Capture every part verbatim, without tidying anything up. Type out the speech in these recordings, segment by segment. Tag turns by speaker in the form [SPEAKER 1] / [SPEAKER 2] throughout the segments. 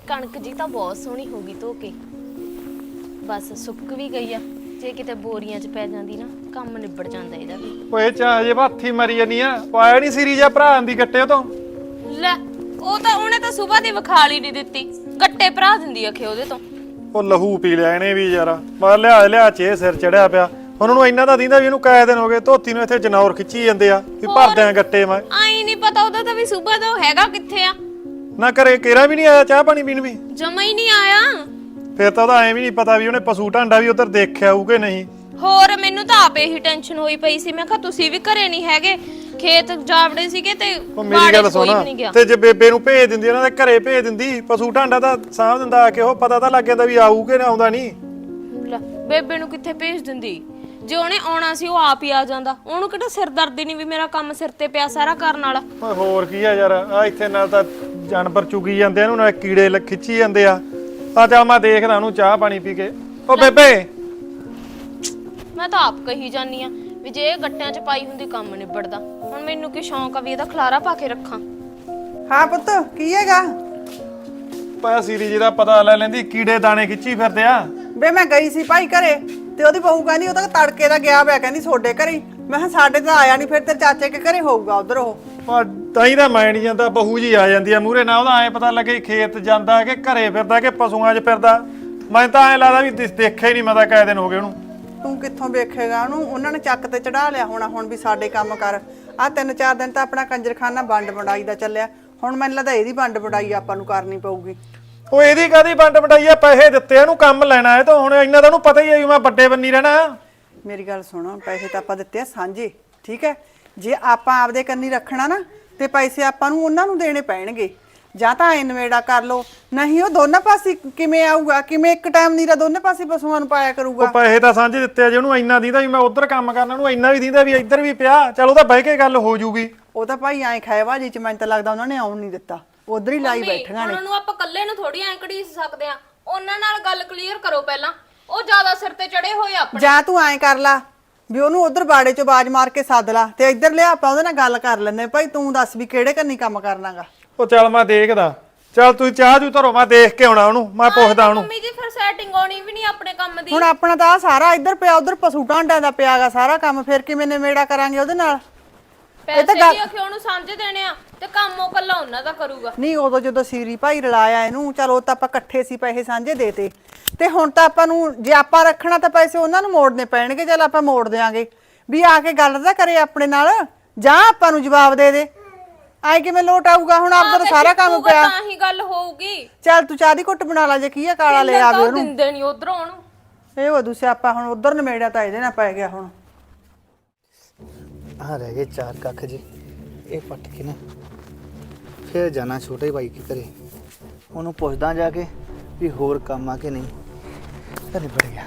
[SPEAKER 1] कणक जी तो बहुत सोहनी होगी धो के बस सुक भी गई आ जे किते बोरियां च पै जांदी ना काम निबड़ जांदा ਇਹਦਾ ਵੀ
[SPEAKER 2] ਓਏ ਚਾਹ ਜੇ ਹੱਥੀ ਮਰੀ ਜਾਨੀ ਆ ਪਾਇਆ ਨਹੀਂ ਸਿਰੀ ਜਾਂ ਭਰਾ ਦੀ ਗੱਟੇ ਤੋਂ
[SPEAKER 1] ਲੈ ਉਹ ਤਾਂ ਉਹਨੇ ਤਾਂ ਸਵੇਰ ਦੀ ਵਿਖਾਲੀ ਨਹੀਂ ਦਿੱਤੀ ਗੱਟੇ ਭਰਾ ਦਿੰਦੀ ਅਖੇ ਉਹਦੇ ਤੋਂ
[SPEAKER 2] ਉਹ ਲਹੂ ਪੀ ਲਿਆ ਇਹਨੇ ਵੀ ਯਾਰ ਮੈਂ ਲਿਆ ਲਿਆ ਚੇ ਸਿਰ ਚੜਿਆ ਪਿਆ ਉਹਨਾਂ ਨੂੰ ਇੰਨਾ ਤਾਂ ਦਿੰਦਾ ਵੀ ਇਹਨੂੰ ਕਾਇ ਦਿਨ ਹੋ ਗਏ ਧੋਤੀ ਨੂੰ ਇੱਥੇ ਜਨੌਰ ਖਿੱਚੀ ਜਾਂਦੇ ਆ ਵੀ ਭਰਦੇ ਆ ਗੱਟੇ ਮੈਂ
[SPEAKER 1] ਆਈ ਨਹੀਂ ਪਤਾ ਉਹਦਾ ਤਾਂ ਵੀ ਸਵੇਰ ਦਾ ਹੈਗਾ ਕਿੱਥੇ ਆ
[SPEAKER 2] ਨਾ ਕਰੇ ਕੇਰਾ ਵੀ ਨਹੀਂ ਆਇਆ ਚਾਹ ਪਾਣੀ ਪੀਣ ਵੀ
[SPEAKER 1] ਜਮਾ ਹੀ ਨਹੀਂ ਆਇਆ
[SPEAKER 2] ਫਿਰ ਤਾਂ ਉਹਦਾ ਐਂ ਵੀ ਨਹੀਂ ਪਤਾ ਵੀ ਉਹਨੇ ਪਸ਼ੂ ਢਾਂਡਾ ਵੀ ਉਧਰ ਦੇਖਿਆ ਹੋਊ ਕਿ ਨਹੀਂ
[SPEAKER 1] ਹੋਰ ਮੈਨੂੰ ਤਾਂ ਆਪੇ ਹੀ ਟੈਨਸ਼ਨ ਹੋਈ ਪਈ ਸੀ ਮੈਂ ਕਿਹਾ ਤੁਸੀਂ ਵੀ ਘਰੇ ਨਹੀਂ ਹੈਗੇ ਖੇਤ ਜਾਵੜੇ ਸੀਗੇ ਤੇ
[SPEAKER 2] ਉਹ ਮੇਰੀ ਗੱਲ ਸੁਣਾ ਤੇ ਜੇ ਬੇਬੇ ਨੂੰ ਭੇਜ ਦਿੰਦੀ ਉਹਨਾਂ ਦੇ ਘਰੇ ਭੇਜ ਦਿੰਦੀ ਪਸ਼ੂ ਢਾਂਡਾ ਤਾਂ ਸਾਂਭ ਦਿੰਦਾ ਆ ਕੇ ਉਹ ਪਤਾ ਤਾਂ ਲੱਗ ਜਾਂਦਾ ਵੀ ਆਊ ਕਿ ਨਾ ਆਉਂਦਾ ਨਹੀਂ
[SPEAKER 1] ਲੈ ਬੇਬੇ ਨੂੰ ਕਿੱਥੇ ਭੇਜ ਦਿੰਦੀ ਜੇ ਉਹਨੇ ਆਉਣਾ ਸੀ ਉਹ ਆਪ ਹੀ ਆ ਜਾਂਦਾ ਉਹਨੂੰ ਕਿਹੜਾ ਸਿਰ ਦਰਦ ਨਹੀਂ ਵੀ ਮੇਰਾ ਕੰਮ ਸਿਰ ਤੇ ਪਿਆ ਸਾਰਾ ਕਰਨ ਵਾਲਾ
[SPEAKER 2] ਓਏ ਹੋਰ ਕੀ ਆ ਯਾਰ ਆ ਇੱਥੇ ਨਾਲ ਤਾਂ ਜਾਨਵਰ ਚੁਗੀ ਜਾਂਦੇ ਆ ਇਹਨੂੰ ਨਾਲ ਕੀੜੇ ਖਿੱਚੀ ਜਾਂਦੇ ਆ ਆ ਚੱਲ ਮੈਂ ਦੇਖਦਾ ਉਹਨੂੰ ਚਾਹ ਪਾਣੀ ਪੀ ਕੇ ਓ ਬੇਬੇ
[SPEAKER 1] ਮੈਂ ਤਾਂ ਆਪ ਕਹੀ ਜਾਨੀ ਆ ਵੀ ਜੇ ਇਹ ਗੱਟਿਆਂ 'ਚ ਪਾਈ ਹੁੰਦੀ ਕੰਮ ਨਿਬੜਦਾ ਹੁਣ ਮੈਨੂੰ ਕੀ ਸ਼ੌਂਕ ਆ ਵੀ ਇਹਦਾ ਖਲਾਰਾ ਪਾ ਕੇ ਰੱਖਾਂ
[SPEAKER 3] ਹਾਂ ਪੁੱਤ ਕੀ ਹੈਗਾ
[SPEAKER 2] ਪਾਇਆ ਸੀਰੀ ਜੀ ਦਾ ਪਤਾ ਲੈ ਲੈਂਦੀ ਕੀੜੇ ਦਾਣੇ ਖਿੱਚੀ ਫਿਰਦੇ ਆ
[SPEAKER 3] ਬੇ ਮੈਂ ਗਈ ਸੀ ਭਾਈ ਘਰੇ ਤੇ ਉਹਦੀ ਬਹੂ ਕਹਿੰਦੀ ਉਹ ਤਾਂ ਤੜਕੇ ਦਾ ਗਿਆ ਹੋਇਆ ਕਹਿੰਦੀ ਛੋਡੇ ਘਰੇ ਮੈਂ ਕਿਹਾ ਸਾਡੇ ਤਾਂ ਆਇਆ ਨਹੀਂ ਫਿਰ ਤੇਰੇ ਚਾਚੇ ਕੇ ਘਰੇ ਹੋਊਗਾ ਉਧਰ ਉਹ
[SPEAKER 2] ਤਾਂ ਹੀ ਤਾਂ ਮੈਂ ਨਹੀਂ ਜਾਂਦਾ ਬਹੂ ਜੀ ਆ ਜਾਂਦੀ ਆ ਮੂਹਰੇ ਨਾ ਉਹਦਾ ਐ ਪਤਾ ਲੱਗੇ ਖੇਤ ਜਾਂਦਾ ਕਿ ਘਰੇ ਫਿਰਦਾ ਕਿ ਪਸ਼ੂਆਂ 'ਚ ਫਿਰਦਾ ਮੈਂ ਤਾਂ ਐ ਲੱਗਦਾ ਵੀ ਦੇਖਿਆ ਹੀ ਨਹੀਂ ਮੈਂ ਤਾਂ ਕਾਇ ਦਿਨ ਹੋ ਗਏ ਉਹਨੂੰ
[SPEAKER 3] ਤੂੰ ਕਿੱਥੋਂ ਵੇਖੇਗਾ ਉਹਨੂੰ ਉਹਨਾਂ ਨੇ ਚੱਕ ਤੇ ਚੜਾ ਲਿਆ ਹੋਣਾ ਹੁਣ ਵੀ ਸਾਡੇ ਕੰਮ ਕਰ ਆ ਤਿੰਨ ਚਾਰ ਦਿਨ ਤਾਂ ਆਪਣਾ ਕੰਜਰਖਾਨਾ ਵੰਡ ਵੰਡਾਈ ਦਾ ਚੱਲਿਆ ਹੁਣ ਮੈਨੂੰ ਲੱਗਦਾ ਇਹਦੀ ਵੰਡ ਵੰਡਾਈ ਆਪਾਂ ਨੂੰ ਕਰਨੀ ਪਊਗੀ
[SPEAKER 2] ਉਹ ਇਹਦੀ ਕਾਦੀ ਵੰਡ ਵੰਡਾਈ ਆ ਪੈਸੇ ਦਿੱਤੇ ਇਹਨੂੰ ਕੰਮ ਲੈਣਾ ਹੈ ਤਾਂ ਹੁਣ ਇੰਨਾ ਤਾਂ ਉਹਨੂੰ ਪਤਾ ਹੀ ਹੈ ਵੀ ਮੈਂ ਵੱਡੇ ਬੰਨੀ ਰਹਿਣਾ
[SPEAKER 3] ਮੇਰੀ ਗੱਲ ਸੁਣੋ ਪੈਸੇ ਤਾਂ ਆਪਾਂ ਦਿੱਤੇ ਆ ਸਾਂਝੇ ਠੀਕ ਹੈ ਜੇ ਆਪਾਂ ਆਪਦੇ ਕੰਨੀ ਰੱਖਣਾ ਨਾ ਤੇ ਪੈਸੇ ਆਪਾਂ ਨੂੰ ਉਹਨਾਂ ਨੂੰ ਦੇਣੇ ਪੈਣਗੇ ਜਾਂ ਤਾਂ ਇਨਵੇੜਾ ਕਰ ਲੋ ਨਹੀਂ ਉਹ ਦੋਨਾਂ ਪਾਸੇ ਕਿਵੇਂ ਆਊਗਾ ਕਿਵੇਂ ਇੱਕ ਟਾਈਮ ਨੀਰਾ ਦੋਨੇ ਪਾਸੇ ਪਸ਼ੂਆਂ ਨੂੰ ਪਾਇਆ ਕਰੂਗਾ
[SPEAKER 2] ਉਹ ਪੈਸੇ ਤਾਂ ਸਾਂਝੇ ਦਿੱਤੇ ਆ ਜੇ ਉਹਨੂੰ ਇੰਨਾ ਦਿੰਦਾ ਵੀ ਮੈਂ ਉਧਰ ਕੰਮ ਕਰਨਾ ਉਹਨੂੰ ਇੰਨਾ ਵੀ ਦਿੰਦਾ ਵੀ ਇੱਧਰ ਵੀ ਪਿਆ ਚਲ ਉਹਦਾ ਬਹਿ ਕੇ ਗੱਲ ਹੋ ਜੂਗੀ
[SPEAKER 3] ਉਹ ਤਾਂ ਭਾਈ ਐਂ ਖਾਏਵਾ ਜੀ ਚ ਮੈਨੂੰ ਤਾਂ ਲੱਗਦਾ ਉਹਨਾਂ ਨੇ ਆਉਣ ਨਹੀਂ ਦਿੱਤਾ ਉਧਰ ਹੀ ਲਾਈ ਬੈਠੀਆਂ ਨੇ
[SPEAKER 1] ਉਹਨਾਂ ਨੂੰ ਆਪਾਂ ਇਕੱਲੇ ਨੂੰ ਥੋੜੀ ਐਂ ਘੜੀਸ ਸਕਦੇ ਆ ਉਹਨਾਂ ਨਾਲ ਗੱਲ ਕਲੀਅਰ ਕਰੋ ਪਹਿਲਾਂ ਉਹ ਜ਼ਿਆਦਾ ਸਿਰ ਤੇ ਚੜੇ ਹੋਏ ਆਪਣੇ
[SPEAKER 3] ਜਾਂ ਤੂੰ ਐਂ ਕਰ ਲਾ ਵੀ ਉਹਨੂੰ ਉਧਰ ਬਾੜੇ ਚੋਂ ਬਾਜ ਮਾਰ ਕੇ ਸੱਦ ਲਾ ਤੇ ਇੱਧਰ ਲਿਆ ਆਪਾਂ ਉਹਦੇ ਨਾਲ ਗੱਲ ਕਰ ਲੈਂਦੇ ਭਾਈ ਤੂੰ ਦੱਸ ਵੀ ਕਿਹੜੇ ਕੰਨੀ ਕੰਮ ਕਰਨਾਗਾ
[SPEAKER 2] ਉਹ ਚੱਲ ਮੈਂ ਦੇਖਦਾ ਚੱਲ ਤੂੰ ਚਾਹ ਜੂ ਧਰੋ ਮੈਂ ਦੇਖ ਕੇ ਆਉਣਾ ਉਹਨੂੰ ਮੈਂ ਪੁੱਛਦਾ ਉਹਨੂੰ
[SPEAKER 1] ਮੰਮੀ ਜੀ ਫਿਰ ਸੈਟਿੰਗ ਆਉਣੀ ਵੀ ਨਹੀਂ ਆਪਣੇ ਕੰਮ ਦੀ
[SPEAKER 3] ਹੁਣ ਆਪਣਾ ਤਾਂ ਸਾਰਾ ਇੱਧਰ ਪਿਆ ਉਧਰ ਪਸ਼ੂ ਢਾਂਡਿਆਂ ਦਾ ਪਿਆਗਾ ਸਾਰਾ ਕੰਮ ਫਿਰ ਕਿਵੇਂ ਨਿਮੇੜਾ ਕਰਾਂਗੇ ਉਹਦੇ ਨਾਲ
[SPEAKER 1] ਪੈਸੇ ਵੀ ਅਖੇ ਉਹਨੂੰ ਸਮਝ ਦੇਣੇ ਆ ਤੇ ਕੰਮ ਉਹ ਕੱਲਾ ਉਹਨਾਂ ਦਾ ਕਰੂਗਾ
[SPEAKER 3] ਨਹੀਂ ਉਦੋਂ ਜਦੋਂ ਸੀਰੀ ਭਾਈ ਰਲਾਇਆ ਇਹਨੂੰ ਚਲੋ ਤਾਂ ਆਪਾਂ ਇਕੱਠੇ ਸੀ ਪੈਸੇ ਸਾਂਝੇ ਦੇਤੇ ਤੇ ਹੁਣ ਤਾਂ ਆਪਾਂ ਨੂੰ ਜੇ ਆਪਾਂ ਰੱਖਣਾ ਤਾਂ ਪੈਸੇ ਉਹਨਾਂ ਨੂੰ ਮੋੜਨੇ ਪੈਣਗੇ ਚਲ ਆਪਾਂ ਮੋੜ ਦੇਾਂਗੇ ਵੀ ਆ ਕੇ ਗੱਲ ਤਾਂ ਕਰੇ ਆਪਣੇ ਨਾਲ ਜਾਂ ਆਪਾਂ ਨੂੰ ਜਵਾਬ ਦੇ ਦੇ ਆਏ ਕਿਵੇਂ ਲੋਟ ਆਊਗਾ ਹੁਣ ਆਪਦਾ ਤਾਂ ਸਾਰਾ ਕੰਮ ਪਿਆ
[SPEAKER 1] ਤਾਂ ਹੀ ਗੱਲ ਹੋਊਗੀ
[SPEAKER 3] ਚੱਲ ਤੂੰ ਚਾਹ ਦੀ ਘੁੱਟ ਬਣਾ ਲਾ ਜੇ ਕੀ ਆ ਕਾਲਾ ਲੈ ਆਵੇ ਉਹਨੂੰ
[SPEAKER 1] ਦਿੰਦੇ ਨਹੀਂ ਉਧਰੋਂ ਉਹਨੂੰ
[SPEAKER 3] ਇਹ ਵਦੂ ਸਿਆਪਾ ਹੁਣ ਉਧਰ ਨਮੇੜਿਆ ਤਾਂ ਇਹਦੇ ਨਾਲ ਪੈ ਗਿਆ ਹੁਣ
[SPEAKER 4] ਆ ਰਹਿ ਗਏ ਚਾਰ ਕੱਖ ਜੀ ਇਹ ਪੱਟ ਕੇ ਨਾ ਫਿਰ ਜਾਣਾ ਛੋਟੇ ਭਾਈ ਕੇ ਘਰੇ ਉਹਨੂੰ ਪੁੱਛਦਾ ਜਾ ਕੇ ਵੀ ਹੋਰ ਕੰਮ ਆ ਕਿ ਨਹੀਂ ਘਰੇ ਵੜ ਗਿਆ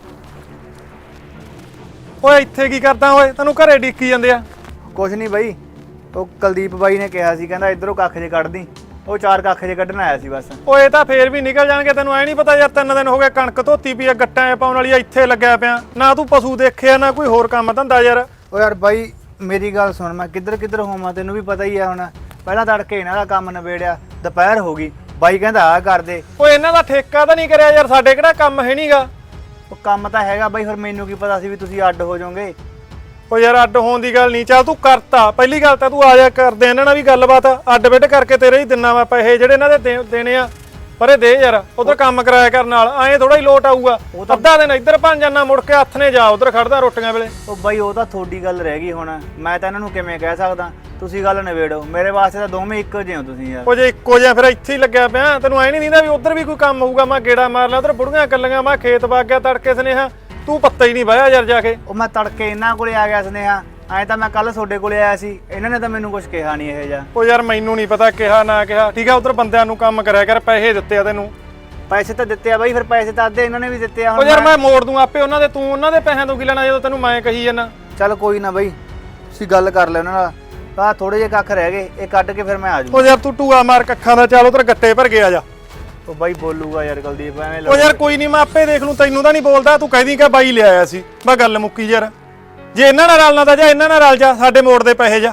[SPEAKER 2] ਓਏ ਇੱਥੇ ਕੀ ਕਰਦਾ ਓਏ ਤੈਨੂੰ ਘਰੇ ਡੀਕੀ ਜਾਂਦੇ ਆ
[SPEAKER 4] ਕੁਛ ਨਹੀਂ ਬਾਈ ਉਹ ਕੁਲਦੀਪ ਬਾਈ ਨੇ ਕਿਹਾ ਸੀ ਕਹਿੰਦਾ ਇਧਰੋਂ ਕੱਖ ਜੇ ਕੱਢਦੀ ਉਹ ਚਾਰ ਕੱਖ ਜੇ ਕੱਢਣ ਆਇਆ ਸੀ ਬਸ
[SPEAKER 2] ਓਏ ਤਾਂ ਫੇਰ ਵੀ ਨਿਕਲ ਜਾਣਗੇ ਤੈਨੂੰ ਐ ਨਹੀਂ ਪਤਾ ਯਾਰ ਤਿੰਨ ਦਿਨ ਹੋ ਗਏ ਕਣਕ ਧੋਤੀ ਪਈ ਆ ਗੱਟਾਂ ਪਾਉਣ ਵਾਲੀ ਇੱਥੇ ਲੱਗਿਆ ਪਿਆ ਨਾ ਤੂੰ ਪਸ਼ੂ ਦੇਖਿਆ ਨਾ ਕੋਈ ਹੋਰ ਕੰਮ ਧੰਦਾ ਯਾਰ
[SPEAKER 4] ਓ ਯਾਰ ਬਾਈ ਮੇਰੀ ਗੱਲ ਸੁਣ ਮੈਂ ਕਿੱਧਰ ਕਿੱਧਰ ਹੋਵਾਂ ਤੈਨੂੰ ਵੀ ਪਤਾ ਹੀ ਆ ਹੁਣ ਪਹਿਲਾਂ ਤੜਕੇ ਇਹਨਾਂ ਦਾ ਕੰਮ ਨਿਬੇੜਿਆ ਦੁਪਹਿਰ ਹੋ ਗਈ ਬਾਈ ਕਹਿੰਦਾ ਆ ਕਰ ਦੇ
[SPEAKER 2] ਓਏ ਇਹਨਾਂ ਦਾ ਠੇਕਾ ਤਾਂ ਨਹੀਂ ਕਰਿਆ ਯਾਰ ਸਾਡੇ ਕਿਹੜਾ ਕੰਮ ਹੈ ਨਹੀਂਗਾ
[SPEAKER 4] ਉਹ ਕੰਮ ਤਾਂ ਹੈਗਾ ਬਾਈ ਫਿਰ ਮੈਨੂੰ ਕੀ ਪਤਾ ਸੀ ਵੀ ਤੁਸੀਂ ਅੱਡ ਹੋ ਜਾਓਗੇ
[SPEAKER 2] ਓ ਯਾਰ ਅੱਡ ਹੋਣ ਦੀ ਗੱਲ ਨਹੀਂ ਚੱਲ ਤੂੰ ਕਰਤਾ ਪਹਿਲੀ ਗੱਲ ਤਾਂ ਤੂੰ ਆ ਜਾ ਕਰਦੇ ਇਹਨਾਂ ਨਾਲ ਵੀ ਗੱਲਬਾਤ ਅੱਡ ਬਿੱਡ ਕਰਕੇ ਤੇਰੇ ਹੀ ਦਿਨਾਂ ਵਾ ਪੈਸੇ ਜਿਹੜੇ ਇਹਨਾਂ ਦੇ ਦੇਣੇ ਆ ਪਰ ਇਹ ਦੇ ਯਾਰ ਉਧਰ ਕੰਮ ਕਰਾਇਆ ਕਰਨ ਨਾਲ ਐਂ ਥੋੜਾ ਹੀ ਲੋਟ ਆਊਗਾ ਅੱਧਾ ਦਿਨ ਇੱਧਰ ਭੰਨ ਜਾਣਾ ਮੁੜ ਕੇ ਹੱਥ ਨੇ ਜਾ ਉਧਰ ਖੜਦਾ ਰੋਟੀਆਂ ਵੇਲੇ
[SPEAKER 4] ਉਹ ਬਾਈ ਉਹ ਤਾਂ ਤੁਹਾਡੀ ਗੱਲ ਰਹਿ ਗਈ ਹੁਣ ਮੈਂ ਤਾਂ ਇਹਨਾਂ ਨੂੰ ਕਿਵੇਂ ਕਹਿ ਸਕਦਾ ਤੁਸੀਂ ਗੱਲ ਨਿਬੇੜੋ ਮੇਰੇ ਵਾਸਤੇ ਤਾਂ ਦੋਵੇਂ ਇੱਕੋ ਜਿਹੇ ਹੋ ਤੁਸੀਂ ਯਾਰ
[SPEAKER 2] ਉਹ ਜੇ ਇੱਕੋ ਜਿਹਾ ਫਿਰ ਇੱਥੇ ਹੀ ਲੱਗਿਆ ਪਿਆ ਤੈਨੂੰ ਐ ਨਹੀਂ ਦਿੰਦਾ ਵੀ ਉਧਰ ਵੀ ਕੋਈ ਕੰਮ ਹੋਊਗਾ ਮੈਂ ਗੇੜਾ ਮਾਰ ਲਿਆ ਉਧਰ ਬੁੜੀਆਂ ਕੱਲੀਆਂ ਮੈਂ ਖੇਤ ਵਗ ਗਿਆ ਤੜਕੇ ਸਨੇਹਾ ਤੂੰ ਪੱਤਾ ਹੀ ਨਹੀਂ ਵਾਇਆ ਯਾਰ ਜਾ ਕੇ
[SPEAKER 4] ਉਹ ਮੈਂ ਤੜਕੇ ਇਹਨਾਂ ਕੋਲੇ ਆ ਗਿਆ ਸਨੇਹਾ ਐਂ ਤਾਂ ਮੈਂ ਕੱਲ ਤੁਹਾਡੇ ਕੋਲੇ ਆਇਆ ਸੀ ਇਹਨਾਂ ਨੇ ਤਾਂ ਮੈਨੂੰ ਕੁਝ ਕਿਹਾ ਨਹੀਂ ਇਹ ਜਿਹਾ
[SPEAKER 2] ਉਹ ਯਾਰ ਮੈਨੂੰ ਨਹੀਂ ਪਤਾ ਕਿਹਾ ਨਾ ਕਿਹਾ ਠੀਕ ਆ ਉਧਰ ਬੰਦਿਆਂ ਨੂੰ ਕੰਮ ਕਰਿਆ ਕਰ ਪੈਸੇ ਦਿੱਤੇ ਆ ਤੈਨੂੰ
[SPEAKER 4] ਪੈਸੇ ਤਾਂ ਦਿੱਤੇ ਆ ਬਾਈ ਫਿਰ ਪੈਸੇ ਤਾਂ ਅੱਧੇ ਇਹਨਾਂ ਨੇ ਵੀ ਦਿੱਤੇ ਆ
[SPEAKER 2] ਉਹ ਯਾਰ ਮੈਂ ਮੋੜ ਦੂੰ ਆਪੇ ਉਹਨਾਂ ਦੇ ਤੂੰ ਉਹਨਾਂ ਦੇ ਪੈਸਿਆਂ ਤੋਂ ਕੀ ਲੈਣਾ ਜਦੋਂ ਤੈਨੂੰ ਮੈਂ ਕਹੀ ਜਾਂਦਾ
[SPEAKER 4] ਚੱਲ ਕੋਈ ਨਾ ਬਾਈ ਤੁਸੀਂ ਗੱਲ ਕਰ ਲੈ ਉਹਨਾਂ ਨਾਲ ਆ ਥੋੜੇ ਜਿਹੇ ਕੱਖ ਰਹਿ ਗਏ ਇਹ ਕੱਢ ਕੇ ਫਿਰ ਮੈਂ ਆ ਜੂ
[SPEAKER 2] ਉਹ ਯਾਰ ਤੂੰ ਟੂਆ ਮਾਰ ਕੱਖਾਂ ਦਾ ਚੱਲ ਉਧਰ ਗੱਟੇ ਭਰ ਗਿਆ ਜਾ
[SPEAKER 4] ਉਹ ਬਾਈ ਬੋਲੂਗਾ ਯਾਰ ਕੁਲਦੀਪ ਐਵੇਂ
[SPEAKER 2] ਉਹ ਯਾਰ ਕੋਈ ਨਹੀਂ ਮੈਂ ਆਪੇ ਦੇਖ ਲੂੰ ਤੈਨੂੰ ਤਾਂ ਨਹੀਂ ਬੋਲਦਾ ਤੂੰ ਕਹਿਦੀ ਕਿ ਬਾਈ ਲਿਆਇਆ ਸੀ ਮੈਂ ਗੱਲ ਮੁੱਕੀ ਯਾਰ ਜੇ ਇਹਨਾਂ ਨਾਲ ਰਲਣਾ ਤਾਂ ਜਾ ਇਹਨਾਂ ਨਾਲ ਰਲ ਜਾ ਸਾਡੇ ਮੋੜ ਦੇ ਪੈਸੇ ਜਾ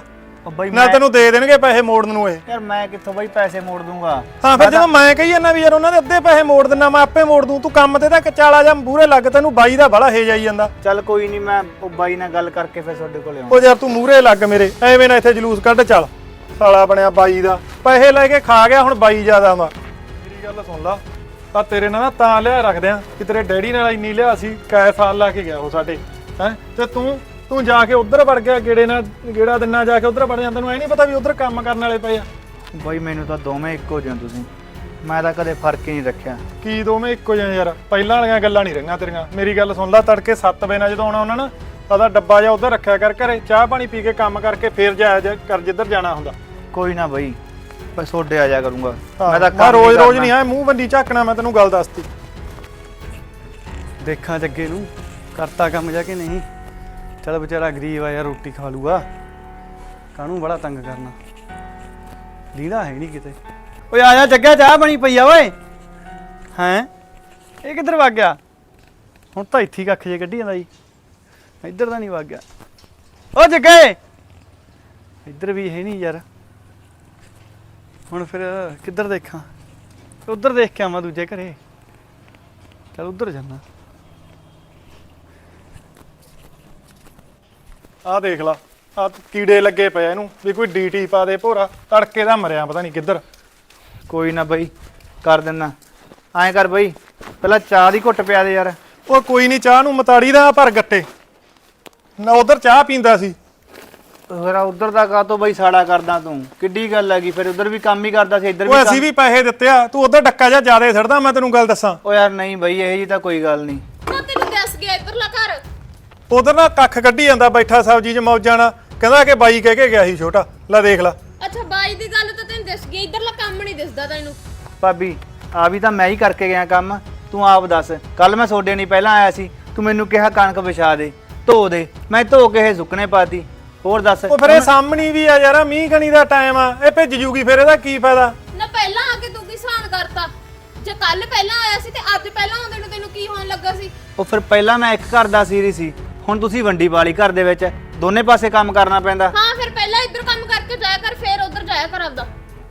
[SPEAKER 4] ਉਹ ਬਾਈ
[SPEAKER 2] ਨਾ
[SPEAKER 4] ਮੈਂ
[SPEAKER 2] ਤੈਨੂੰ ਦੇ ਦੇਣਗੇ ਪੈਸੇ ਮੋੜਨ ਨੂੰ ਇਹ।
[SPEAKER 4] ਯਾਰ ਮੈਂ ਕਿੱਥੋਂ ਬਾਈ ਪੈਸੇ ਮੋੜ ਦੂੰਗਾ।
[SPEAKER 2] ਹਾਂ ਫਿਰ ਜਦੋਂ ਮੈਂ ਕਹੀ ਜਾਂਦਾ ਵੀ ਯਾਰ ਉਹਨਾਂ ਦੇ ਅੱਧੇ ਪੈਸੇ ਮੋੜ ਦਿੰਨਾ ਮੈਂ ਆਪੇ ਮੋੜ ਦੂੰ। ਤੂੰ ਕੰਮ ਤੇ ਤਾਂ ਕਚਾਲਾ ਜਾਂ ਮੂਹਰੇ ਲੱਗ, ਤੈਨੂੰ ਬਾਈ ਦਾ ਬੜਾ ਹੇਜ ਆਈ ਜਾਂਦਾ।
[SPEAKER 4] ਚੱਲ ਕੋਈ ਨਹੀਂ, ਮੈਂ ਉਹ ਬਾਈ ਨਾਲ ਗੱਲ ਕਰਕੇ ਫਿਰ ਤੁਹਾਡੇ ਕੋਲ ਆਉਂ।
[SPEAKER 2] ਉਹ ਯਾਰ ਤੂੰ ਮੂਹਰੇ ਲੱਗ ਮੇਰੇ, ਐਵੇਂ ਨਾ ਇੱਥੇ ਜਲੂਸ ਕੱਢ। ਚੱਲ ਸਾਲਾ ਬਣਿਆ ਬਾਈ ਦਾ, ਪੈਸੇ ਲੈ ਕੇ ਖਾ ਗਿਆ, ਹੁਣ ਬਾਈ ਜ਼ਿਆਦਾ ਵਾ। ਮੇਰੀ ਗੱਲ ਸੁਣ ਲਾ, ਆ ਤੇਰੇ ਨਾਲ ਨਾ ਤਾਂ ਲਿਆ ਰੱਖਦੇ ਆ ਕਿ ਤੇਰੇ ਡੈਡੀ ਨਾਲ ਇੰਨੀ ਲਿਆ ਸੀ, ਕੈ ਸਾਲ ਲਾ ਕੇ ਗਿਆ ਉਹ ਸਾਡੇ ਹੈ, ਤੇ ਤੂੰ ਤੂੰ ਜਾ ਕੇ ਉਧਰ ਵੜ ਗਿਆ ਗੇੜੇ ਨਾਲ, ਗੇੜਾ ਦਿਨਾਂ ਜਾ ਕੇ ਉਧਰ ਵੜ ਜਾਂਦਾ। ਤੈਨੂੰ ਐ ਨਹੀਂ ਪਤਾ ਵੀ ਉਧਰ ਕੰਮ ਕਰਨ ਵਾਲੇ ਪਏ ਆ।
[SPEAKER 4] ਬਾਈ ਮੈਨੂੰ ਤਾਂ ਦੋਵੇਂ ਇੱਕੋ ਜਿਹੇ ਤੁਸੀਂ, ਮੈਂ ਤਾਂ ਕਦੇ ਫਰਕ ਹੀ ਨਹੀਂ ਰੱਖਿਆ।
[SPEAKER 2] ਕੀ ਦੋਵੇਂ ਇੱਕੋ ਜਿਹੇ ਯਾਰ? ਪਹਿਲਾਂ ਵਾਲੀਆਂ ਗੱਲਾਂ ਨਹੀਂ ਰਹੀਆਂ ਤੇਰੀਆਂ। ਮੇਰੀ ਗੱਲ ਸੁਣ ਲੈ, ਤੜਕੇ ਸੱਤ ਵਜੇ ਨਾਲ ਜਦੋਂ ਆਉਣਾ ਉਹਨਾਂ ਨਾ ਆਦਾ ਡੱਬਾ ਜਾ ਉਧਰ ਰੱਖਿਆ ਕਰ ਘਰੇ, ਚਾਹ ਪਾਣੀ ਪੀ ਕੇ ਕੰਮ ਕਰਕੇ ਫੇਰ ਜਾਇਆ ਕਰ ਜਿੱਧਰ ਜਾਣਾ ਹੁੰਦਾ।
[SPEAKER 4] ਕੋਈ ਨਾ ਬਾਈ, ਬਸ ਤੁਹਾਡੇ ਆ ਜਾ ਕਰੂੰਗਾ।
[SPEAKER 2] ਮੈਂ ਤਾਂ ਰੋਜ਼ ਰੋਜ਼ ਨਹੀਂ ਆ ਮੂੰਹ ਬੰਦੀ ਝਾਕਣਾ, ਮੈਂ ਤੈਨੂੰ ਗੱਲ ਦੱਸਤੀ।
[SPEAKER 5] ਦੇਖਾਂ ਜੱਗੇ ਨੂੰ ਕਰਤਾ ਕੰਮ ਜਾ ਕੇ ਨਹੀਂ। ਚੱਲ ਵਿਚਾਰਾ ਗਰੀਬ ਆ ਯਾਰ, ਰੋਟੀ ਖਾ ਲੂਗਾ, ਕਾਹਨੂੰ ਬੜਾ ਤੰਗ ਕਰਨਾ। ਲੀੜਾ ਹੈ ਨਹੀਂ ਕਿਤੇ। ਓਏ ਆ ਜਾ ਜੱਗਾ, ਚਾਹ ਬਣੀ ਪਈ ਆ ਓਏ। ਹੈਂ ਇਹ ਕਿੱਧਰ ਵਗ ਗਿਆ? ਹੁਣ ਤਾਂ ਇੱਥੇ ਹੀ ਕੱਖ ਜੇ ਕੱਢੀ ਜਾਂਦਾ ਜੀ, ਇੱਧਰ ਤਾਂ ਨਹੀਂ ਵਗ ਗਿਆ। ਓ ਜੱਗੇ ਇੱਧਰ ਵੀ ਹੈ ਨਹੀਂ ਯਾਰ। ਹੁਣ ਫਿਰ ਕਿੱਧਰ ਦੇਖਾਂ? ਉੱਧਰ ਦੇਖ ਕੇ ਆਵਾਂ ਦੂਜੇ ਘਰੇ। ਚੱਲ ਉੱਧਰ ਜਾਣਾ।
[SPEAKER 2] ਆਹ ਦੇਖ ਲਾ, ਆ ਕੀੜੇ ਲੱਗੇ ਪਏ ਇਹਨੂੰ ਵੀ ਕੋਈ ਡੀਟੀ ਪਾ ਦੇ ਭੋਰਾ, ਤੜਕੇ ਦਾ ਮਰਿਆ ਪਤਾ ਨਹੀਂ ਕਿੱਧਰ।
[SPEAKER 4] ਕੋਈ ਨਾ ਬਾਈ, ਕਰ ਦਿੰਦਾ। ਐਂ ਕਰ ਬਾਈ, ਪਹਿਲਾਂ ਚਾਹ ਦੀ ਘੁੱਟ ਪਿਆ ਦੇ ਯਾਰ।
[SPEAKER 2] ਉਹ ਕੋਈ ਨਹੀਂ, ਚਾਹ ਨੂੰ ਮਤਾੜੀ ਦਾ ਭਰ ਗੱਟੇ ਨਾ, ਉਧਰ ਚਾਹ ਪੀਂਦਾ ਸੀ।
[SPEAKER 4] ਫਿਰ ਉਧਰ ਦਾ ਕਾਹਤੋਂ ਬਾਈ ਸਾੜਾ ਕਰਦਾ ਤੂੰ? ਕਿੱਡੀ ਗੱਲ ਹੈਗੀ, ਫਿਰ ਉਧਰ ਵੀ ਕੰਮ ਹੀ ਕਰਦਾ ਸੀ, ਇੱਧਰ
[SPEAKER 2] ਉਹ
[SPEAKER 4] ਵੀ
[SPEAKER 2] ਅਸੀਂ ਵੀ ਪੈਸੇ ਦਿੱਤੇ ਆ, ਤੂੰ ਉਧਰ ਡੱਕਾ ਜਾ ਜ਼ਿਆਦਾ ਛੱਡਦਾ। ਮੈਂ ਤੈਨੂੰ ਗੱਲ ਦੱਸਾਂ,
[SPEAKER 4] ਓ ਯਾਰ ਨਹੀਂ ਬਾਈ, ਇਹ ਜੀ ਤਾਂ ਕੋਈ ਗੱਲ ਨਹੀਂ।
[SPEAKER 1] ਨਾ ਤੈਨੂੰ ਦੱਸ ਗਿਆ ਇੱਧਰਲਾ ਘਰ।
[SPEAKER 2] ਉਧਰ ਨਾ ਕੱਖ ਕੱਢੀ ਜਾਂਦਾ ਬੈਠਾ ਸਬਜ਼ੀ 'ਚ ਮੌਜਾਂ ਨਾਲ, ਕਹਿੰਦਾ ਕਿ ਬਾਈ ਕਹਿ ਕੇ ਗਿਆ ਸੀ ਛੋਟਾ। ਲੈ ਦੇਖ ਲਾ।
[SPEAKER 1] ਅੱਛਾ ਬਾਈ ਦੀ ਗੱਲ ਤਾਂ ਤੈਨੂੰ ਦੱਸ ਗਈ, ਇੱਧਰਲਾ ਕੰਮ ਨਹੀਂ ਦਿਸਦਾ ਤੈਨੂੰ।
[SPEAKER 4] ਭਾਬੀ ਆ ਵੀ ਤਾਂ ਮੈਂ ਹੀ ਕਰਕੇ ਗਿਆ ਕੰਮ, ਤੂੰ ਆਪ ਦੱਸ। ਕੱਲ ਮੈਂ ਸੋਡੇ ਨਹੀਂ ਪਹਿਲਾਂ ਆਇਆ ਸੀ, ਤੂੰ ਮੈਨੂੰ ਕਿਹਾ ਕਣਕ ਵਿਛਾ ਦੇ, ਧੋ ਦੇ, ਮੈਂ ਧੋ ਕੇ ਇਹ ਸੁੱਕਣੇ ਪਾਤੀ। ਹੋਰ ਦੱਸ।
[SPEAKER 2] ਉਹ ਫਿਰ ਇਹ ਸਾਹਮਣੀ ਵੀ ਆ ਯਾਰ, ਮੀਂਹ ਕਣੀ ਦਾ ਟਾਈਮ ਆ, ਇਹ ਭਿੱਜ ਜੂਗੀ, ਫਿਰ ਇਹਦਾ ਕੀ ਫਾਇਦਾ?
[SPEAKER 1] ਨਾ ਪਹਿਲਾਂ ਆ ਕੇ ਤੂੰ ਕੀ ਸਾਨ ਕਰਤਾ? ਜੇ ਕੱਲ ਪਹਿਲਾਂ ਆਇਆ ਸੀ ਤੇ ਅੱਜ ਪਹਿਲਾਂ ਆਉਂਦੇ ਨੂੰ ਤੈਨੂੰ ਕੀ ਹੋਣ ਲੱਗਾ ਸੀ?
[SPEAKER 4] ਉਹ ਫਿਰ ਪਹਿਲਾਂ ਮੈਂ ਇੱਕ ਘਰ ਦਾ ਸੀਰੀ ਸੀ, ਹੁਣ ਤੁਸੀਂ ਵੰਡੀ ਵਾਲੀ ਘਰ ਦੇ ਵਿੱਚ, ਦੋਨੇ ਪਾਸੇ ਕੰਮ ਕਰਨਾ ਪੈਂਦਾ।
[SPEAKER 1] ਹਾਂ ਫਿਰ ਪਹਿਲਾਂ ਇੱਧਰ ਕੰਮ ਕਰਕੇ ਜਾਇਆ ਕਰ, ਫਿਰ ਉੱਧਰ ਜਾਇਆ ਕਰ ਆਪਦਾ।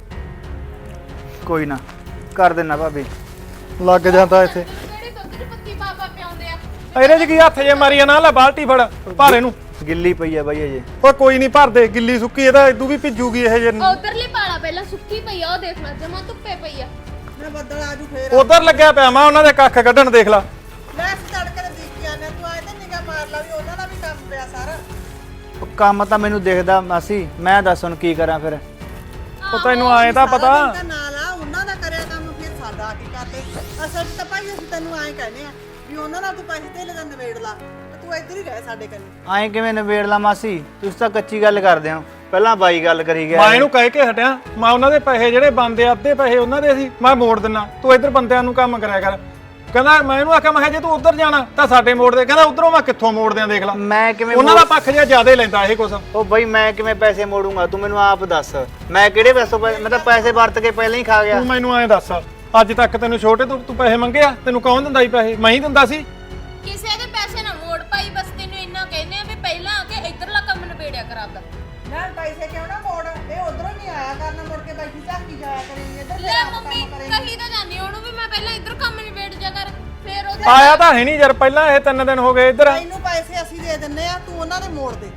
[SPEAKER 4] ਕੋਈ ਨਾ, ਕਰ ਦੇਣਾ ਭਾਬੀ।
[SPEAKER 2] ਲੱਗ ਜਾਂਦਾ ਇੱਥੇ।
[SPEAKER 1] ਕਿਹੜੇ ਦੁੱਧ 'ਚ ਪੱਤੀ ਪਾ ਪਾ ਪਿਆਉਂਦੇ ਆ?
[SPEAKER 2] ਇਹਦੇ 'ਚ ਕੀ ਹੱਥ ਜੇ ਮਾਰੀ ਆ, ਨਾ ਲੈ ਬਾਲਟੀ ਫੜ ਭਰ ਇਹਨੂੰ।
[SPEAKER 4] ਗਿੱਲੀ ਪਈ ਆ ਬਾਈ ਅਜੇ।
[SPEAKER 2] ਉਹ ਕੋਈ ਨਹੀਂ ਭਰ ਦੇ, ਗਿੱਲੀ ਸੁੱਕੀ ਇਹਦਾ ਇਦੂ ਵੀ ਭਿੱਜੂਗੀ ਇਹ ਜੇ।
[SPEAKER 1] ਉਧਰਲੀ ਪਾਲਾ ਪਹਿਲਾਂ ਸੁੱਕੀ ਪਈ ਆ, ਉਹ ਦੇਖ ਲੈ ਜਮਾ ਧੁੱਪੇ ਪਈ ਆ।
[SPEAKER 3] ਮੈਂ ਬੱਦਲ ਆਜੂ ਫੇਰ।
[SPEAKER 2] ਉਧਰ ਲੱਗਿਆ ਪਿਆ ਮੈਂ ਉਹਨਾਂ ਦੇ ਕੱਖ ਕੱਢਣ, ਦੇਖ ਲਾ।
[SPEAKER 3] ਲੈ ਅਸੀਂ ਤੜਕੇ ਤੇ ਦੇਖ ਕੇ ਆਨੇ, ਤੂੰ ਆਏ ਤੇ ਨਿਗਾ ਮਾਰ ਲਾ ਵੀ ਉਹਨਾਂ ਦਾ ਵੀ ਕੰਮ ਪਿਆ ਸਾਰਾ।
[SPEAKER 4] ਉਹ ਕੰਮ ਤਾਂ ਮੈਨੂੰ ਦਿਖਦਾ ਮਾਸੀ, ਮੈਂ ਦੱਸ ਹੁਣ ਕੀ ਕਰਾਂ ਫਿਰ?
[SPEAKER 2] ਉਹ ਤੈਨੂੰ ਆਏ ਤਾਂ ਪਤਾ।
[SPEAKER 3] ਸਾਰਾ ਦਿਨ ਤਾਂ ਨਾਲ ਆ, ਉਹਨਾਂ ਦਾ ਕਰਿਆ ਕੰਮ, ਫਿਰ ਸਾਡਾ ਕੀ ਕਰਦੇ? ਅਸਲ 'ਚ ਤਾਂ ਭਾਈ ਅਸੀਂ ਤੈਨੂੰ ਐਂ ਕਹਿੰਦੇ ਆ ਵੀ ਉਹਨਾਂ ਨਾਲ ਤੂੰ ਪੈਸੇ ਧੇਲੇ ਦਾ ਨਿਬੇੜ ਲਾ, ਤੇ ਤੂੰ ਇੱਧਰ ਹੀ ਰਹਿ ਸਾਡੇ ਕੰਨੀ।
[SPEAKER 4] ਐਂ ਕਿਵੇਂ ਨਿਬੇੜ ਲਾ ਮਾਸੀ? ਤੁਸੀਂ ਤਾਂ ਕੱਚੀ ਗੱਲ ਕਰਦੇ ਹੋ। ਪਹਿਲਾਂ ਬਾਈ ਗੱਲ ਕਰੀ ਗਿਆ।
[SPEAKER 2] ਮੈਂ ਇਹਨੂੰ ਕਹਿ ਕੇ ਹਟਿਆ, ਮੈਂ ਉਹਨਾਂ ਦੇ ਪੈਸੇ ਜਿਹੜੇ ਬੰਦੇ ਅੱਧੇ ਪੈਸੇ ਉਹਨਾਂ ਦੇ ਸੀ ਮੈਂ ਮੋੜ ਦਿੰਨਾ, ਤੂੰ ਇੱਧਰ ਬੰਦਿਆਂ ਨੂੰ ਕੰਮ ਕਰਿਆ ਕਰ। ਕਹਿੰਦਾ ਮੈਂ ਇਹਨੂੰ ਆਖਿਆ, ਮੈਂ ਕਿਹਾ ਜੇ ਤੂੰ ਉੱਧਰ ਜਾਣਾ ਤਾਂ ਸਾਡੇ ਮੋੜ ਦੇ। ਕਹਿੰਦਾ ਉਧਰੋਂ ਮੈਂ ਕਿੱਥੋਂ ਮੋੜ ਦਿਆਂ, ਦੇਖ ਲੈ।
[SPEAKER 4] ਮੈਂ ਕਿਵੇਂ
[SPEAKER 2] ਉਹਨਾਂ ਦਾ ਪੱਖ ਜਿਹਾ ਜ਼ਿਆਦਾ ਹੀ ਲੈਂਦਾ ਇਹ ਕੁਛ।
[SPEAKER 4] ਉਹ ਬਾਈ ਮੈਂ ਕਿਵੇਂ ਪੈਸੇ ਮੋੜੂੰਗਾ? ਤੂੰ ਮੈਨੂੰ ਆਪ ਦੱਸ। ਮੈਂ ਕਿਹੜੇ ਪੈਸੋਂ ਪੈ- ਮੈਂ ਤਾਂ ਪੈਸੇ ਵਰਤ ਕੇ ਪਹਿਲਾਂ ਹੀ ਖਾ ਗਿਆ।
[SPEAKER 2] ਤੂੰ ਮੈਨੂੰ ਐਂ ਦੱਸ, ਅੱਜ ਤੱਕ ਤੈਨੂੰ ਛੋਟੇ ਤੋਂ ਤੂੰ ਪੈਸੇ ਮੰਗੇ ਆ? ਤੈਨੂੰ ਕੌਣ ਦਿੰਦਾ ਸੀ ਪੈਸੇ? ਮੈਂ ਹੀ ਦਿੰਦਾ ਸੀ।
[SPEAKER 1] ਕਿਸੇ ਦੇ ਪੈਸੇ ਨਾ ਮੋੜ ਪਾਈ, ਬਸ ਤੈਨੂੰ ਇੰਨਾ ਕਹਿੰਦੇ ਆ ਵੀ ਪਹਿਲਾਂ ਆ ਕੇ ਇੱਧਰਲਾ ਕੰਮ ਨਿਬੇੜਿਆ ਕਰ ਆਪਦਾ।
[SPEAKER 3] ਨਾ ਪੈਸੇ ਕਿਉਂ ਨਾ ਮੋੜ, ਇਹ ਉਧਰੋਂ ਨਹੀਂ ਆਇਆ ਕਰਨਾ, ਮੁੜ ਕੇ ਬੈਠੀ ਝਾਕੀ ਜਾਇਆ ਕਰੇਗੀ ਇੱਧਰ।
[SPEAKER 1] ਲੈ ਮੰਮੀ ਕਹੀ ਤਾਂ ਜਾਂਦੀ ਉਹਨੂੰ ਵੀ ਮੈਂ ਪਹਿਲਾਂ ਇੱਧਰ ਕੰਮ ਨਿਬੇੜ ਜਾ ਕਰ, ਫਿਰ ਉਹ
[SPEAKER 2] ਆਇਆ ਤਾਂ ਹੈ ਨਹੀਂ ਯਾਰ, ਪਹਿਲਾਂ ਇਹ ਤਿੰਨ ਦਿਨ ਹੋ ਗਏ ਇੱਧਰ।
[SPEAKER 3] ਤੈਨੂੰ ਪੈਸੇ ਅਸੀਂ ਦੇ ਦਿੰਨੇ ਆ, ਤੂੰ ਉਹਨਾਂ ਦੇ ਮੋੜ ਦੇ,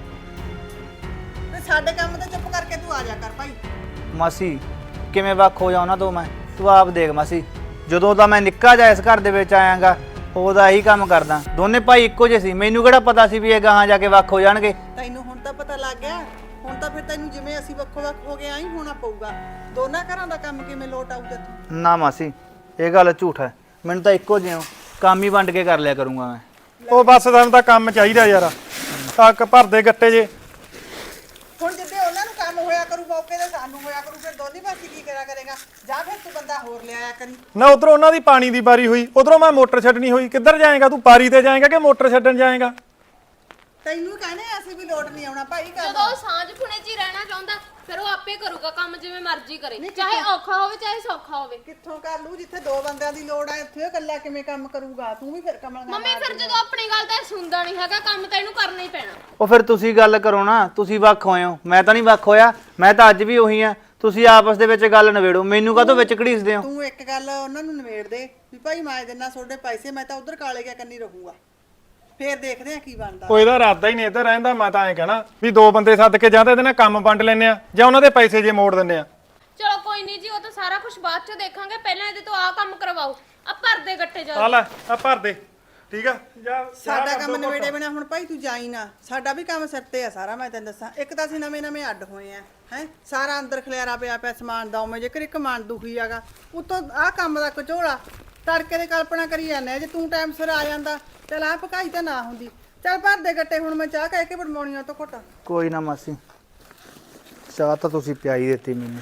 [SPEAKER 3] ਤੇ ਸਾਡੇ ਕੰਮ ਤੇ ਚੁੱਪ ਕਰਕੇ ਤੂੰ ਆ ਜਾ ਕਰ ਭਾਈ।
[SPEAKER 4] ਮਾਸੀ ਕਿਵੇਂ ਵੱਖ ਹੋ ਜਾ ਉਹਨਾਂ ਤੋਂ ਮੈਂ? ਤੂੰ ਆਪ ਦੇਖ ਮਾਸੀ, ਜਦੋਂ ਦਾ ਮੈਂ ਨਿੱਕਾ ਜਿਹਾ ਇਸ ਘਰ ਦੇ ਵਿੱਚ ਆਇਆਗਾ ਉਹਦਾ ਇਹੀ ਕੰਮ ਕਰਦਾ। ਦੋਨੇ ਭਾਈ ਇੱਕੋ ਜਿਹੇ ਸੀ, ਮੈਨੂੰ ਕਿਹੜਾ ਪਤਾ ਸੀ ਵੀ ਇਹ ਗਾਹਾਂ ਜਾ ਕੇ ਵੱਖ ਹੋ ਜਾਣਗੇ।
[SPEAKER 3] ਤੈਨੂੰ ਹੁਣ ਤਾਂ ਪਤਾ ਲੱਗ ਗਿਆ, ਹੁਣ ਤਾਂ ਫਿਰ ਤੈਨੂੰ ਜਿਵੇਂ ਅਸੀਂ ਵੱਖੋ ਵੱਖ ਹੋ ਗਏ ਆਈ ਹੋਣਾ ਪਊਗਾ। ਦੋਨਾਂ ਘਰਾਂ ਦਾ ਕੰਮ ਕਿਵੇਂ ਲੋਟ ਆਊ ਤੈਨੂੰ?
[SPEAKER 4] ਨਾ ਮਾਸੀ ਇਹ ਗੱਲ ਝੂਠ ਹੈ, ਮੈਨੂੰ ਤਾਂ ਇੱਕੋ ਜਿਹਾ ਕੰਮ ਹੀ ਵੰਡ ਕੇ ਕਰ ਲਿਆ ਕਰੂੰਗਾ ਮੈਂ।
[SPEAKER 2] ਉਹ ਬਸ ਤੁਹਾਨੂੰ ਤਾਂ ਕੰਮ ਚਾਹੀਦਾ ਯਾਰ, ਟੱਕ ਭਰਦੇ ਗੱਟੇ ਜੇ।
[SPEAKER 3] ਹੁਣ ਜਿੱਦੇ ਉਹਨਾਂ ਨੂੰ ਕੰਮ ਹੋਇਆ ਕਰੂ ਮੌਕੇ ਤੇ ਸਾਨੂੰ ਹੋਇਆ ਕਰੂ, ਫਿਰ ਦੋਨੀ ਪਾਸੇ ਕੀ ਕਰਿਆ ਕਰੇਗਾ? ਜਾਂ ਫਿਰ ਤੂੰ ਬੰਦਾ ਹੋਰ ਲਿਆਇਆ ਕਰੀ।
[SPEAKER 2] ਨਾ ਉਧਰੋਂ ਉਹਨਾਂ ਦੀ ਪਾਣੀ ਦੀ ਬਾਰੀ ਹੋਈ, ਉਧਰੋਂ ਮੈਂ ਮੋਟਰ ਛੱਡਣੀ ਹੋਈ। ਕਿੱਧਰ ਜਾਏਗਾ ਤੂੰ? ਪਾਰੀ ਤੇ ਜਾਏਗਾ ਕਿ ਮੋਟਰ ਛੱਡਣ ਜਾਏਗਾ?
[SPEAKER 3] ਤੈਨੂੰ ਕਹਿੰਦੇ ਆ ਅਸੀਂ ਵੀ ਲੋਟ ਨਹੀਂ ਆਉਣਾ ਭਾਈ ਕਰ
[SPEAKER 1] ਜਦੋਂ ਉਹ ਸਾਂਝ ਪੁਣੇ 'ਚ ਹੀ ਰਹਿਣਾ ਚਾਹੁੰਦਾ ਫਿਰ ਉਹ ਆਪੇ ਕਰੂਗਾ ਕੰਮ ਜਿਵੇਂ ਮਰਜ਼ੀ ਕਰੇ ਚਾਹੇ ਔਖਾ ਹੋਵੇ ਚਾਹੇ ਸੌਖਾ ਹੋਵੇ।
[SPEAKER 3] ਕਿੱਥੋਂ ਕਰ ਲੂ ਜਿੱਥੇ ਦੋ ਬੰਦਿਆਂ ਦੀ ਲੋੜ ਆ ਇੱਥੇ ਉਹ ਇਕੱਲਾ ਕਿਵੇਂ ਕੰਮ ਕਰੂਗਾ ਤੂੰ ਵੀ ਫਿਰ ਕਮਲ ਨਾਲ
[SPEAKER 1] ਮੰਮੀ ਫਿਰ ਜਦੋਂ ਆਪਣੀ ਗੱਲ ਤਾਂ ਇਹ ਸੁਣਦਾ ਨਹੀਂ ਹੈਗਾ ਕੰਮ ਤਾਂ ਇਹਨੂੰ ਕਰਨਾ ਹੀ ਪੈਣਾ।
[SPEAKER 4] ਉਹ ਫਿਰ ਤੁਸੀਂ ਗੱਲ ਕਰੋ ਨਾ, ਤੁਸੀਂ ਵੱਖ ਹੋਏ ਹੋ, ਮੈਂ ਤਾਂ ਨਹੀਂ ਵੱਖ ਹੋਇਆ, ਮੈਂ ਤਾਂ ਅੱਜ ਵੀ ਉਹੀ ਆ। ਤੁਸੀਂ ਆਪਸ ਦੇ ਵਿੱਚ ਗੱਲ ਨਿਬੇੜੋ, ਮੈਨੂੰ ਕਾਹਤੋਂ ਵਿੱਚ ਘੜੀਸਦੇ ਹੋ?
[SPEAKER 3] ਤੂੰ ਇੱਕ ਗੱਲ ਉਹਨਾਂ ਨੂੰ ਨਿਬੇੜ ਦੇ ਵੀ ਭਾਈ ਮੈਂ ਦਿੰਨਾ ਤੁਹਾਡੇ ਪੈਸੇ, ਮੈਂ ਤਾਂ ਉਧਰ ਕਾਲੇ ਗਿਆ ਕੰਨੀ ਰਹੂੰਗਾ, ਫੇਰ ਦੇਖਦੇ ਆ ਕੀ ਬਣਦਾ।
[SPEAKER 2] ਉਹ ਇਹਦਾ ਇਰਾਦਾ ਹੀ ਨਹੀਂ ਇੱਧਰ ਰਹਿੰਦਾ। ਮੈਂ ਤਾਂ ਐਂ ਕਹਿਣਾ ਵੀ ਦੋ ਬੰਦੇ ਸੱਦ ਕੇ ਜਾਂ ਤਾਂ ਇਹਦੇ ਨਾਲ ਕੰਮ ਵੰਡ ਲੈਨੇ ਆ ਜਾਂ ਉਹਨਾਂ ਦੇ ਪੈਸੇ ਜੇ ਮੋੜ ਦਿੰਨੇ ਆ।
[SPEAKER 1] ਚਲੋ ਕੋਈ ਨਹੀਂ ਜੀ, ਉਹ ਤਾਂ ਸਾਰਾ ਕੁਝ ਬਾਅਦ 'ਚ ਦੇਖਾਂਗੇ, ਪਹਿਲਾਂ ਇਹਦੇ ਤੋਂ ਆਹ ਕੰਮ ਕਰਵਾਓ। ਆ ਭਰਦੇ ਗੱਟੇ ਜਾ
[SPEAKER 2] ਆ ਲੈ ਆ ਭਰ ਦੇ, ਠੀਕ ਆ? ਜਾ
[SPEAKER 3] ਸਾਡਾ ਕੰਮ ਨਿਬੇੜੇ ਬਿਨਾ ਹੁਣ ਭਾਈ ਤੂੰ ਜਾਈ ਨਾ, ਸਾਡਾ ਵੀ ਕੰਮ ਸਿਰ ਤੇ ਆ ਸਾਰਾ। ਮੈਂ ਤੈਨੂੰ ਦੱਸਾਂ, ਇੱਕ ਤਾਂ ਅਸੀਂ ਨਵੇਂ ਨਵੇਂ ਅੱਡ ਹੋਏ ਆ ਹੈ, ਸਾਰਾ ਅੰਦਰ ਖਲਿਆਰਾ ਪਿਆ ਪਿਆ ਸਮਾਨ ਦਾ, ਉਵੇਂ ਜੇਕਰ ਇੱਕ ਮਨ ਦੁਖੀ ਆਗਾ ਉਤੋਂ ਆਹ ਕੰਮ ਦਾ ਕਚੋਲਾ ਤੜਕੇ ਦੇ ਕਲਪਨਾ ਕਰੀ ਜਾਂਦੇ ਆ। ਜੇ ਤੂੰ ਟਾਈਮ ਸਿਰ ਆ ਜਾਂਦਾ ਚੱਲ ਆ ਪਕਾਈ ਤਾਂ ਨਾ ਹੁੰਦੀ। ਚੱਲ ਭਰ ਦੇ ਗੱਟੇ, ਹੁਣ ਮੈਂ ਚਾਹ ਕਹਿ ਕੇ ਬਣਵਾਉਣੀ ਆ ਤੋਂ ਘੁੱਟ।
[SPEAKER 4] ਕੋਈ ਨਾ ਮਾਸੀ, ਚਾਹ ਤਾਂ ਤੁਸੀਂ ਪਿਆਈ ਦਿੱਤੀ ਮੈਨੂੰ।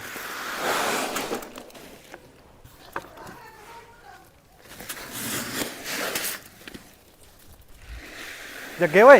[SPEAKER 5] ਜੱਗੇ ਓਏ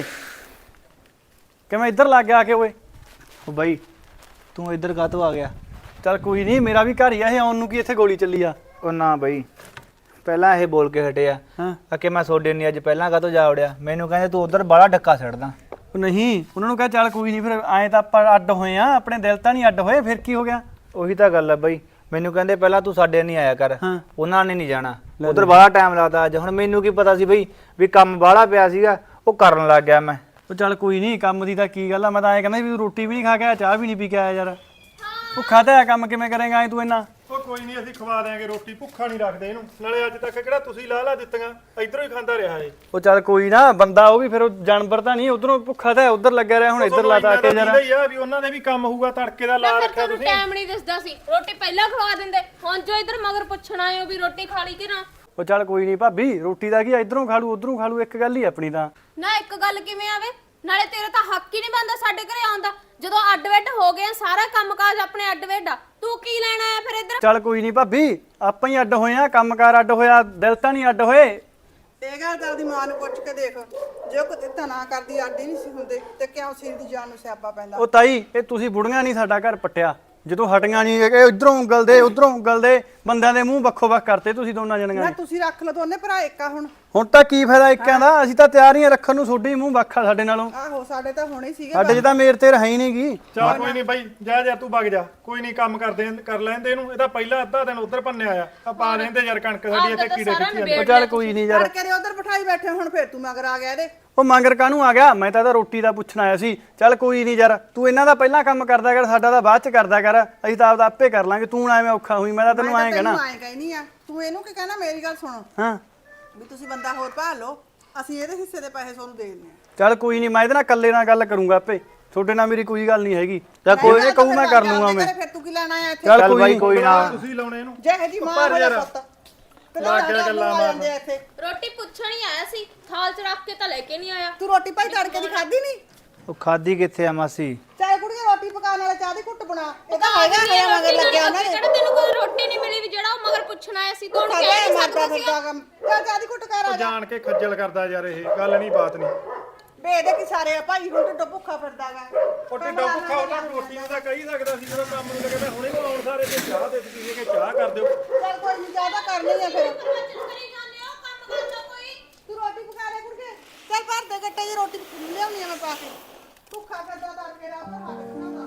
[SPEAKER 5] ਕਿਵੇਂ ਇੱਧਰ ਲੱਗ ਗਿਆ ਆ ਕੇ ਓਏ?
[SPEAKER 4] ਉਹ ਬਾਈ ਤੂੰ ਇੱਧਰ ਕਾਹਤੋਂ ਆ ਗਿਆ?
[SPEAKER 5] ਚੱਲ ਕੋਈ ਨਹੀਂ, ਮੇਰਾ ਵੀ ਘਰ ਹੀ ਆ ਇਹ, ਆਉਣ ਨੂੰ ਕੀ ਇੱਥੇ ਗੋਲੀ ਚੱਲੀ ਆ?
[SPEAKER 4] ਉਹ ਨਾ ਬਾਈ, ਪਹਿਲਾਂ ਇਹ ਬੋਲ ਕੇ ਹਟਿਆ
[SPEAKER 5] ਹਾਂ
[SPEAKER 4] ਆ ਕਿ ਮੈਂ ਸੋਡੇ ਨਹੀਂ ਅੱਜ ਪਹਿਲਾਂ ਕਾਹਤੋਂ ਜਾ ਉੜਿਆ। ਮੈਨੂੰ ਕਹਿੰਦੇ ਤੂੰ ਉਧਰ ਬਾਹਲਾ ਡੱਕਾ ਛੱਡਦਾ।
[SPEAKER 5] ਉਹ ਨਹੀਂ, ਉਹਨਾਂ ਨੂੰ ਕਹ ਚੱਲ ਕੋਈ ਨਹੀਂ, ਫਿਰ ਐਂ ਤਾਂ ਆਪਾਂ ਅੱਡ ਹੋਏ ਆ, ਆਪਣੇ ਦਿਲ ਤਾਂ ਨਹੀਂ ਅੱਡ ਹੋਏ, ਫਿਰ ਕੀ ਹੋ ਗਿਆ?
[SPEAKER 4] ਉਹੀ ਤਾਂ ਗੱਲ ਆ ਬਾਈ, ਮੈਨੂੰ ਕਹਿੰਦੇ ਪਹਿਲਾਂ ਤੂੰ ਸਾਡੇ ਨਹੀਂ ਆਇਆ ਕਰ,
[SPEAKER 5] ਹਾਂ।
[SPEAKER 4] ਉਹਨਾਂ ਨੇ ਨਹੀਂ ਜਾਣਾ, ਉਧਰ ਬਾਹਲਾ ਟਾਈਮ ਲੱਗਦਾ ਅੱਜ। ਹੁਣ ਮੈਨੂੰ ਕੀ ਪਤਾ ਸੀ ਬਈ ਵੀ ਕੰਮ ਬਾਹਲਾ ਪਿਆ ਸੀਗਾ, ਉਹ ਕਰਨ ਲੱਗ ਗਿਆ ਮੈਂ।
[SPEAKER 5] ਉਹ ਚੱਲ ਕੋਈ ਨਹੀਂ, ਕੰਮ ਦੀ ਤਾਂ ਕੀ ਗੱਲ ਆ, ਮੈਂ ਤਾਂ ਐਂ ਕਹਿੰਦਾ ਵੀ ਰੋਟੀ ਵੀ ਨਹੀਂ ਖਾ ਕੇ ਆਇਆ, ਚਾਹ ਵੀ ਨਹੀਂ ਪੀ ਕੇ ਆਇਆ ਯਾਰ। ਭੁੱਖਾ ਤਾਂ ਹੈ, ਕੰਮ ਕਿਵੇਂ ਕਰੇਗਾ ਐ ਤੂੰ ਇੰਨਾ?
[SPEAKER 2] ਉਹ ਕੋਈ ਨਹੀਂ, ਅਸੀਂ ਖਵਾ ਦਿਆਂਗੇ ਰੋਟੀ, ਭੁੱਖਾ ਨਹੀਂ ਰੱਖਦੇ ਇਹਨੂੰ। ਨਾਲੇ ਅੱਜ ਤੱਕ ਕਿਹੜਾ ਤੁਸੀਂ ਲਾਹ ਲਾ ਦਿੱਤੀਆਂ, ਇਧਰੋਂ ਹੀ ਖਾਂਦਾ ਰਿਹਾ ਏ।
[SPEAKER 5] ਉਹ ਚੱਲ ਕੋਈ ਨਾ, ਬੰਦਾ ਉਹ ਵੀ ਫਿਰ ਉਹ ਜਾਨਵਰ ਤਾਂ ਨਹੀਂ, ਉਧਰੋਂ ਭੁੱਖਾ ਤਾਂ ਉਧਰ ਲੱਗਿਆ ਰਿਹਾ, ਹੁਣ ਇੱਧਰ ਲਾਤਾ ਕੇ ਯਾਰ।
[SPEAKER 2] ਹੀ ਆ ਵੀ ਉਹਨਾਂ ਦੇ ਵੀ ਕੰਮ ਹੋਊਗਾ, ਤੜਕੇ ਦਾ ਲਾ
[SPEAKER 1] ਫਿਰ
[SPEAKER 2] ਰੱਖਿਆ
[SPEAKER 1] ਤੁਹਾਨੂੰ
[SPEAKER 2] ਤੁਸੀਂ।
[SPEAKER 1] ਟਾਈਮ ਨਹੀਂ ਦਿਸਦਾ ਸੀ, ਰੋਟੀ ਪਹਿਲਾਂ ਖਵਾ ਦਿੰਦੇ। ਹੁਣ ਜੋ ਇੱਧਰ ਮਗਰ ਪੁੱਛਣ ਆਏ ਹੋ ਵੀ ਰੋਟੀ ਖਾ ਲਈ ਕਿ ਨਾ।
[SPEAKER 5] ਉਹ ਚੱਲ ਕੋਈ ਨਹੀਂ ਭਾਬੀ, ਰੋਟੀ ਦਾ ਕੀ ਆ, ਇੱਧਰੋਂ ਖਾ ਲੂ ਉਧਰੋਂ ਖਾ ਲੂ, ਇੱਕ ਗੱਲ ਹੀ ਆਪਣੀ ਤਾਂ।
[SPEAKER 1] ਨਾ ਇੱਕ ਗੱਲ ਕਿਵੇਂ ਆਵੇ, ਨਾਲੇ ਤੇਰਾ ਤਾਂ ਹੱਕ ਹੀ ਨਹੀਂ ਬਣਦਾ ਸਾਡੇ ਘਰੇ ਆਉਣ ਦਾ। ਜਦੋਂ ਅੱਡ-ਵੱਡ ਹੋ ਗਏ, ਸਾਰਾ ਕੰਮਕਾਜ ਆਪਣੇ ਅੱਡ-ਵੱਡ ਆ, ਤੂੰ ਕੀ ਲੈਣ ਆਇਆ ਫਿਰ ਇੱਧਰ?
[SPEAKER 5] ਚੱਲ ਕੋਈ ਨਹੀਂ ਭਾਬੀ, ਆਪਾਂ ਹੀ ਅੱਡ ਹੋਏ ਆ, ਕੰਮਕਾਰ ਅੱਡ ਹੋਇਆ, ਦਿਲ ਤਾਂ ਨਹੀਂ ਅੱਡ ਹੋਏ।
[SPEAKER 3] ਇਹ ਗੱਲ ਤਾਂ ਉਹਦੀ ਮਾਂ ਨੂੰ ਪੁੱਛ ਕੇ ਦੇਖ, ਜੇ ਉਹ ਕਿਤੇ ਤਾਂ ਨਾ ਕਰਦੀ ਅੱਡ ਹੀ ਨਹੀਂ ਸੀ ਹੁੰਦੇ ਤੇ ਕਿਉਂ ਸਿਰ ਦੀ ਜਾਨ ਨੂੰ ਸਿਆਪਾ ਪੈਂਦਾ।
[SPEAKER 5] ਉਹ ਤਾਈ, ਇਹ ਤੁਸੀਂ ਬੁੜੀਆਂ ਨਹੀਂ ਸਾਡਾ ਘਰ ਪੱਟਿਆ, ਜਦੋਂ ਹਟੀਆਂ ਨਹੀਂ ਇਹ ਇਧਰੋਂ ਉਂਗਲਦੇ ਉਧਰੋਂ ਉਂਗਲਦੇ, ਬੰਦਿਆਂ ਦੇ ਮੂੰਹ ਵੱਖੋ ਵੱਖ ਕਰਤੇ ਤੁਸੀਂ ਦੋਨਾਂ ਜਣੀਆਂ
[SPEAKER 3] ਨਾ
[SPEAKER 5] ਨੇ।
[SPEAKER 3] ਤੁਸੀਂ ਰੱਖ ਲਓ ਦੋਨੇ ਭਰਾ ਇੱਕਾ ਹੁਣ।
[SPEAKER 5] ਹੁਣ ਤਾਂ ਕੀ ਫਾਇਦਾ ਇੱਕਾਂ ਦਾ, ਅਸੀਂ ਤਾਂ ਤਿਆਰ ਹੀ ਆ ਰੱਖਣ ਨੂੰ, ਤੁਹਾਡੇ ਹੀ ਮੂੰਹ ਵੱਖਾ ਸਾਡੇ ਨਾਲੋਂ।
[SPEAKER 3] ਆਹੋ ਸਾਡੇ ਤਾਂ ਹੋਣੇ ਸੀਗੇ।
[SPEAKER 5] ਸਾਡੇ 'ਚ ਤਾਂ ਮੇਰ ਤੇ ਰਹੀ ਨਹੀਂ ਗੀ।
[SPEAKER 2] ਚੱਲ ਕੋਈ ਨਹੀਂ ਬਾਈ, ਜਾ ਜਾ ਤੂੰ ਵਗ ਜਾ, ਕੋਈ ਨਹੀਂ ਕੰਮ ਕਰਦੇ ਕਰ ਲੈਂਦੇ ਇਹਨੂੰ। ਇਹਦਾ ਪਹਿਲਾ ਅੱਧਾ ਦਿਨ ਉਧਰ ਭੰਨਿਆ ਆ, ਆ ਪਾ ਲੈਂਦੇ ਯਾਰ ਕਣਕ ਸਾਡੀ ਇੱਥੇ ਕੀੜੇ ਕਿੱਥੇ ਜਾਂਦੇ।
[SPEAKER 5] ਉਹ ਚੱਲ ਕੋਈ ਨਹੀਂ ਯਾਰ,
[SPEAKER 3] ਤੜਕੇ ਦੇ ਉਧਰ ਬਿਠਾਈ ਬੈਠੇ, ਹੁਣ ਫੇਰ ਤੂੰ ਮਗਰ ਆ ਗਿਆ ਇਹਦੇ।
[SPEAKER 5] ਉਹ ਮੰਗਰ ਕਾਹਨੂੰ ਆ ਗਿਆ, ਮੈਂ ਤਾਂ ਇਹਦਾ ਰੋਟੀ ਦਾ ਪੁੱਛਣ ਆਇਆ ਸੀ। ਚੱਲ ਕੋਈ ਨਹੀਂ ਯਾਰ, ਤੂੰ ਇਹਨਾਂ ਦਾ ਪਹਿਲਾਂ ਕੰਮ ਕਰਦਾ ਕਰ, ਸਾਡਾ ਤਾਂ ਬਾਅਦ ਚ ਕਰਦਾ ਕਰ, ਅਸੀਂ ਤਾਂ ਆਪਦਾ ਆਪੇ ਕਰ ਲਾਂਗੇ। ਤੂੰ ਨਾ ਐਵੇਂ ਔਖਾ ਹੋਈ, ਮੈਂ ਤਾਂ ਤੈਨੂੰ ਐਂ ਕਹਿਣਾ।
[SPEAKER 3] ਮੈਂ ਐਂ ਕਹਿਨੀ ਆ, ਤੂੰ ਇਹਨੂੰ ਕੀ ਕਹਿਣਾ, ਮੇਰੀ ਗੱਲ ਸੁਣੋ
[SPEAKER 5] ਹਾਂ
[SPEAKER 3] ਵੀ ਤੁਸੀਂ ਬੰਦਾ ਹੋਰ ਭਾਲ ਲਓ, ਅਸੀਂ ਇਹਦੇ ਹਿੱਸੇ ਦੇ ਪੈਸੇ ਤੁਹਾਨੂੰ ਦੇ ਦਿੰਦੇ ਆ।
[SPEAKER 5] ਚੱਲ ਕੋਈ ਨਹੀਂ, ਮੈਂ ਇਹਦੇ ਨਾਲ ਇਕੱਲੇ ਨਾਲ ਗੱਲ ਕਰੂੰਗਾ ਆਪੇ, ਤੁਹਾਡੇ ਨਾਲ ਮੇਰੀ ਕੋਈ ਗੱਲ ਨਹੀਂ ਹੈਗੀ। ਚੱਲ ਕੋਈ ਨਹੀਂ, ਕਹੂ ਮੈਂ ਕਰ ਲੂੰਗਾ ਮੈਂ।
[SPEAKER 3] ਫਿਰ ਤੂੰ ਕੀ ਲੈਣਾ ਆ ਇੱਥੇ?
[SPEAKER 5] ਚੱਲ
[SPEAKER 4] ਚੱਲ
[SPEAKER 5] ਕੋਈ
[SPEAKER 4] ਬਾਈ
[SPEAKER 5] ਨੀ।
[SPEAKER 4] ਕੋਈ ਨਾ,
[SPEAKER 2] ਤੁਸੀਂ ਲਾਉਣੇ ਇਹਨੂੰ।
[SPEAKER 3] ਜੇ ਜੀ ਮਾਂ ਵਾਲਾ ਪੁੱਤ ਤੇ
[SPEAKER 2] ਲਾ ਕੇ ਗੱਲਾਂ ਮਾਰਨ।
[SPEAKER 3] ਇੱਥੇ
[SPEAKER 1] ਰੋਟੀ ਪੁੱਛਣ ਹੀ ਆਇਆ ਸੀ, ਥਾਲ 'ਚ ਰੱਖ ਕੇ ਤਾਂ ਲੈ ਕੇ ਨਹੀਂ ਆਇਆ।
[SPEAKER 3] ਤੂੰ ਰੋਟੀ ਭਾਈ ਤੜਕੇ ਦੀ ਖਾਧੀ ਨਹੀਂ?
[SPEAKER 4] ਉਹ ਖਾਦੀ ਕਿੱਥੇ ਆ ਮਾਸੀ?
[SPEAKER 3] ਚਾਹੇ ਕੁੜੀਆਂ ਰੋਟੀ ਪਕਾਉਣ ਵਾਲਾ ਚਾਹ ਦੀ ਘੁੱਟ ਬਣਾ, ਇਹ ਤਾਂ ਹੈਗਾ ਹੈ ਮਗਰ ਲੱਗਿਆ ਉਹਨਾਂ ਨੇ।
[SPEAKER 1] ਕਿਹੜਾ ਤੈਨੂੰ ਕੋਈ ਰੋਟੀ ਨਹੀਂ ਮਿਲੀ ਵੀ ਜਿਹੜਾ ਉਹ ਮਗਰ ਪੁੱਛਣ ਆਇਆ ਸੀ? ਤੂੰ ਉਹਨੂੰ ਕਹਿ
[SPEAKER 3] ਖਾਦਾ
[SPEAKER 1] ਨਹੀਂ
[SPEAKER 3] ਮਾਰਦਾ
[SPEAKER 1] ਸਕਦਾ
[SPEAKER 3] ਫਿਰਦਾ ਕੰਮ। ਚੱਲ ਚਾਹ ਦੀ ਘੁੱਟ ਕਰ ਆ
[SPEAKER 2] ਉਹ
[SPEAKER 3] ਜਾ।
[SPEAKER 2] ਜਾਣ ਕੇ ਖੱਜਲ ਕਰਦਾ ਯਾਰ, ਇਹ ਗੱਲ ਨਹੀਂ ਬਾਤ ਨਹੀਂ।
[SPEAKER 3] ਵੇ ਇਹਦੇ ਕੀ ਸਾਰੇ ਆ ਭਾਈ, ਹੁਣ ਢਿੱਡੋਂ ਭੁੱਖਾ ਫਿਰਦਾਗਾ।
[SPEAKER 2] ਉਹ ਢਿੱਡੋਂ ਭੁੱਖਾ ਉਹਨਾਂ ਨੂੰ ਰੋਟੀ ਨੂੰ ਤਾਂ ਕਹੀ ਸਕਦਾ ਸੀ, ਜਦੋਂ ਕੰਮ ਨੂੰ ਤਾਂ ਕਹਿੰਦਾ ਹੁਣੇ ਆਉਣ ਸਾਰੇ ਤੇ ਚਾਹ ਦੇ ਤੁਸੀਂ ਕਿ ਚਾਹ ਕਰ ਦਿਓ।
[SPEAKER 3] ਚੱਲ ਕੋਈ ਨਹੀਂ, ਚਾਹ ਤਾਂ ਕਰਨੀ ਆ ਫਿਰ।
[SPEAKER 1] ਪ੍ਰਵਚਨ ਕਰੀ ਜਾਂਦੇ ਹੋ, ਕੰਮ ਕਰ ਲਓ ਕੋਈ।
[SPEAKER 3] ਤੂੰ ਰੋਟੀ ਪਕਾ ਲੈ ਕੁੜਕੇ। ਚੱਲ ਭਰ ਦੇ ਗੱਟੇ ਦੀ ਰੋਟੀ ਲਿਆਉਣੀ ਆ ਮੈਂ ਪਾ ਕੇ। ਭੁੱਖਾ ਫਿਰਦਾ ਤੜਕੇ ਰਾਤ ਨੂੰ ਹੱਥ ਖਾਂਦਾ।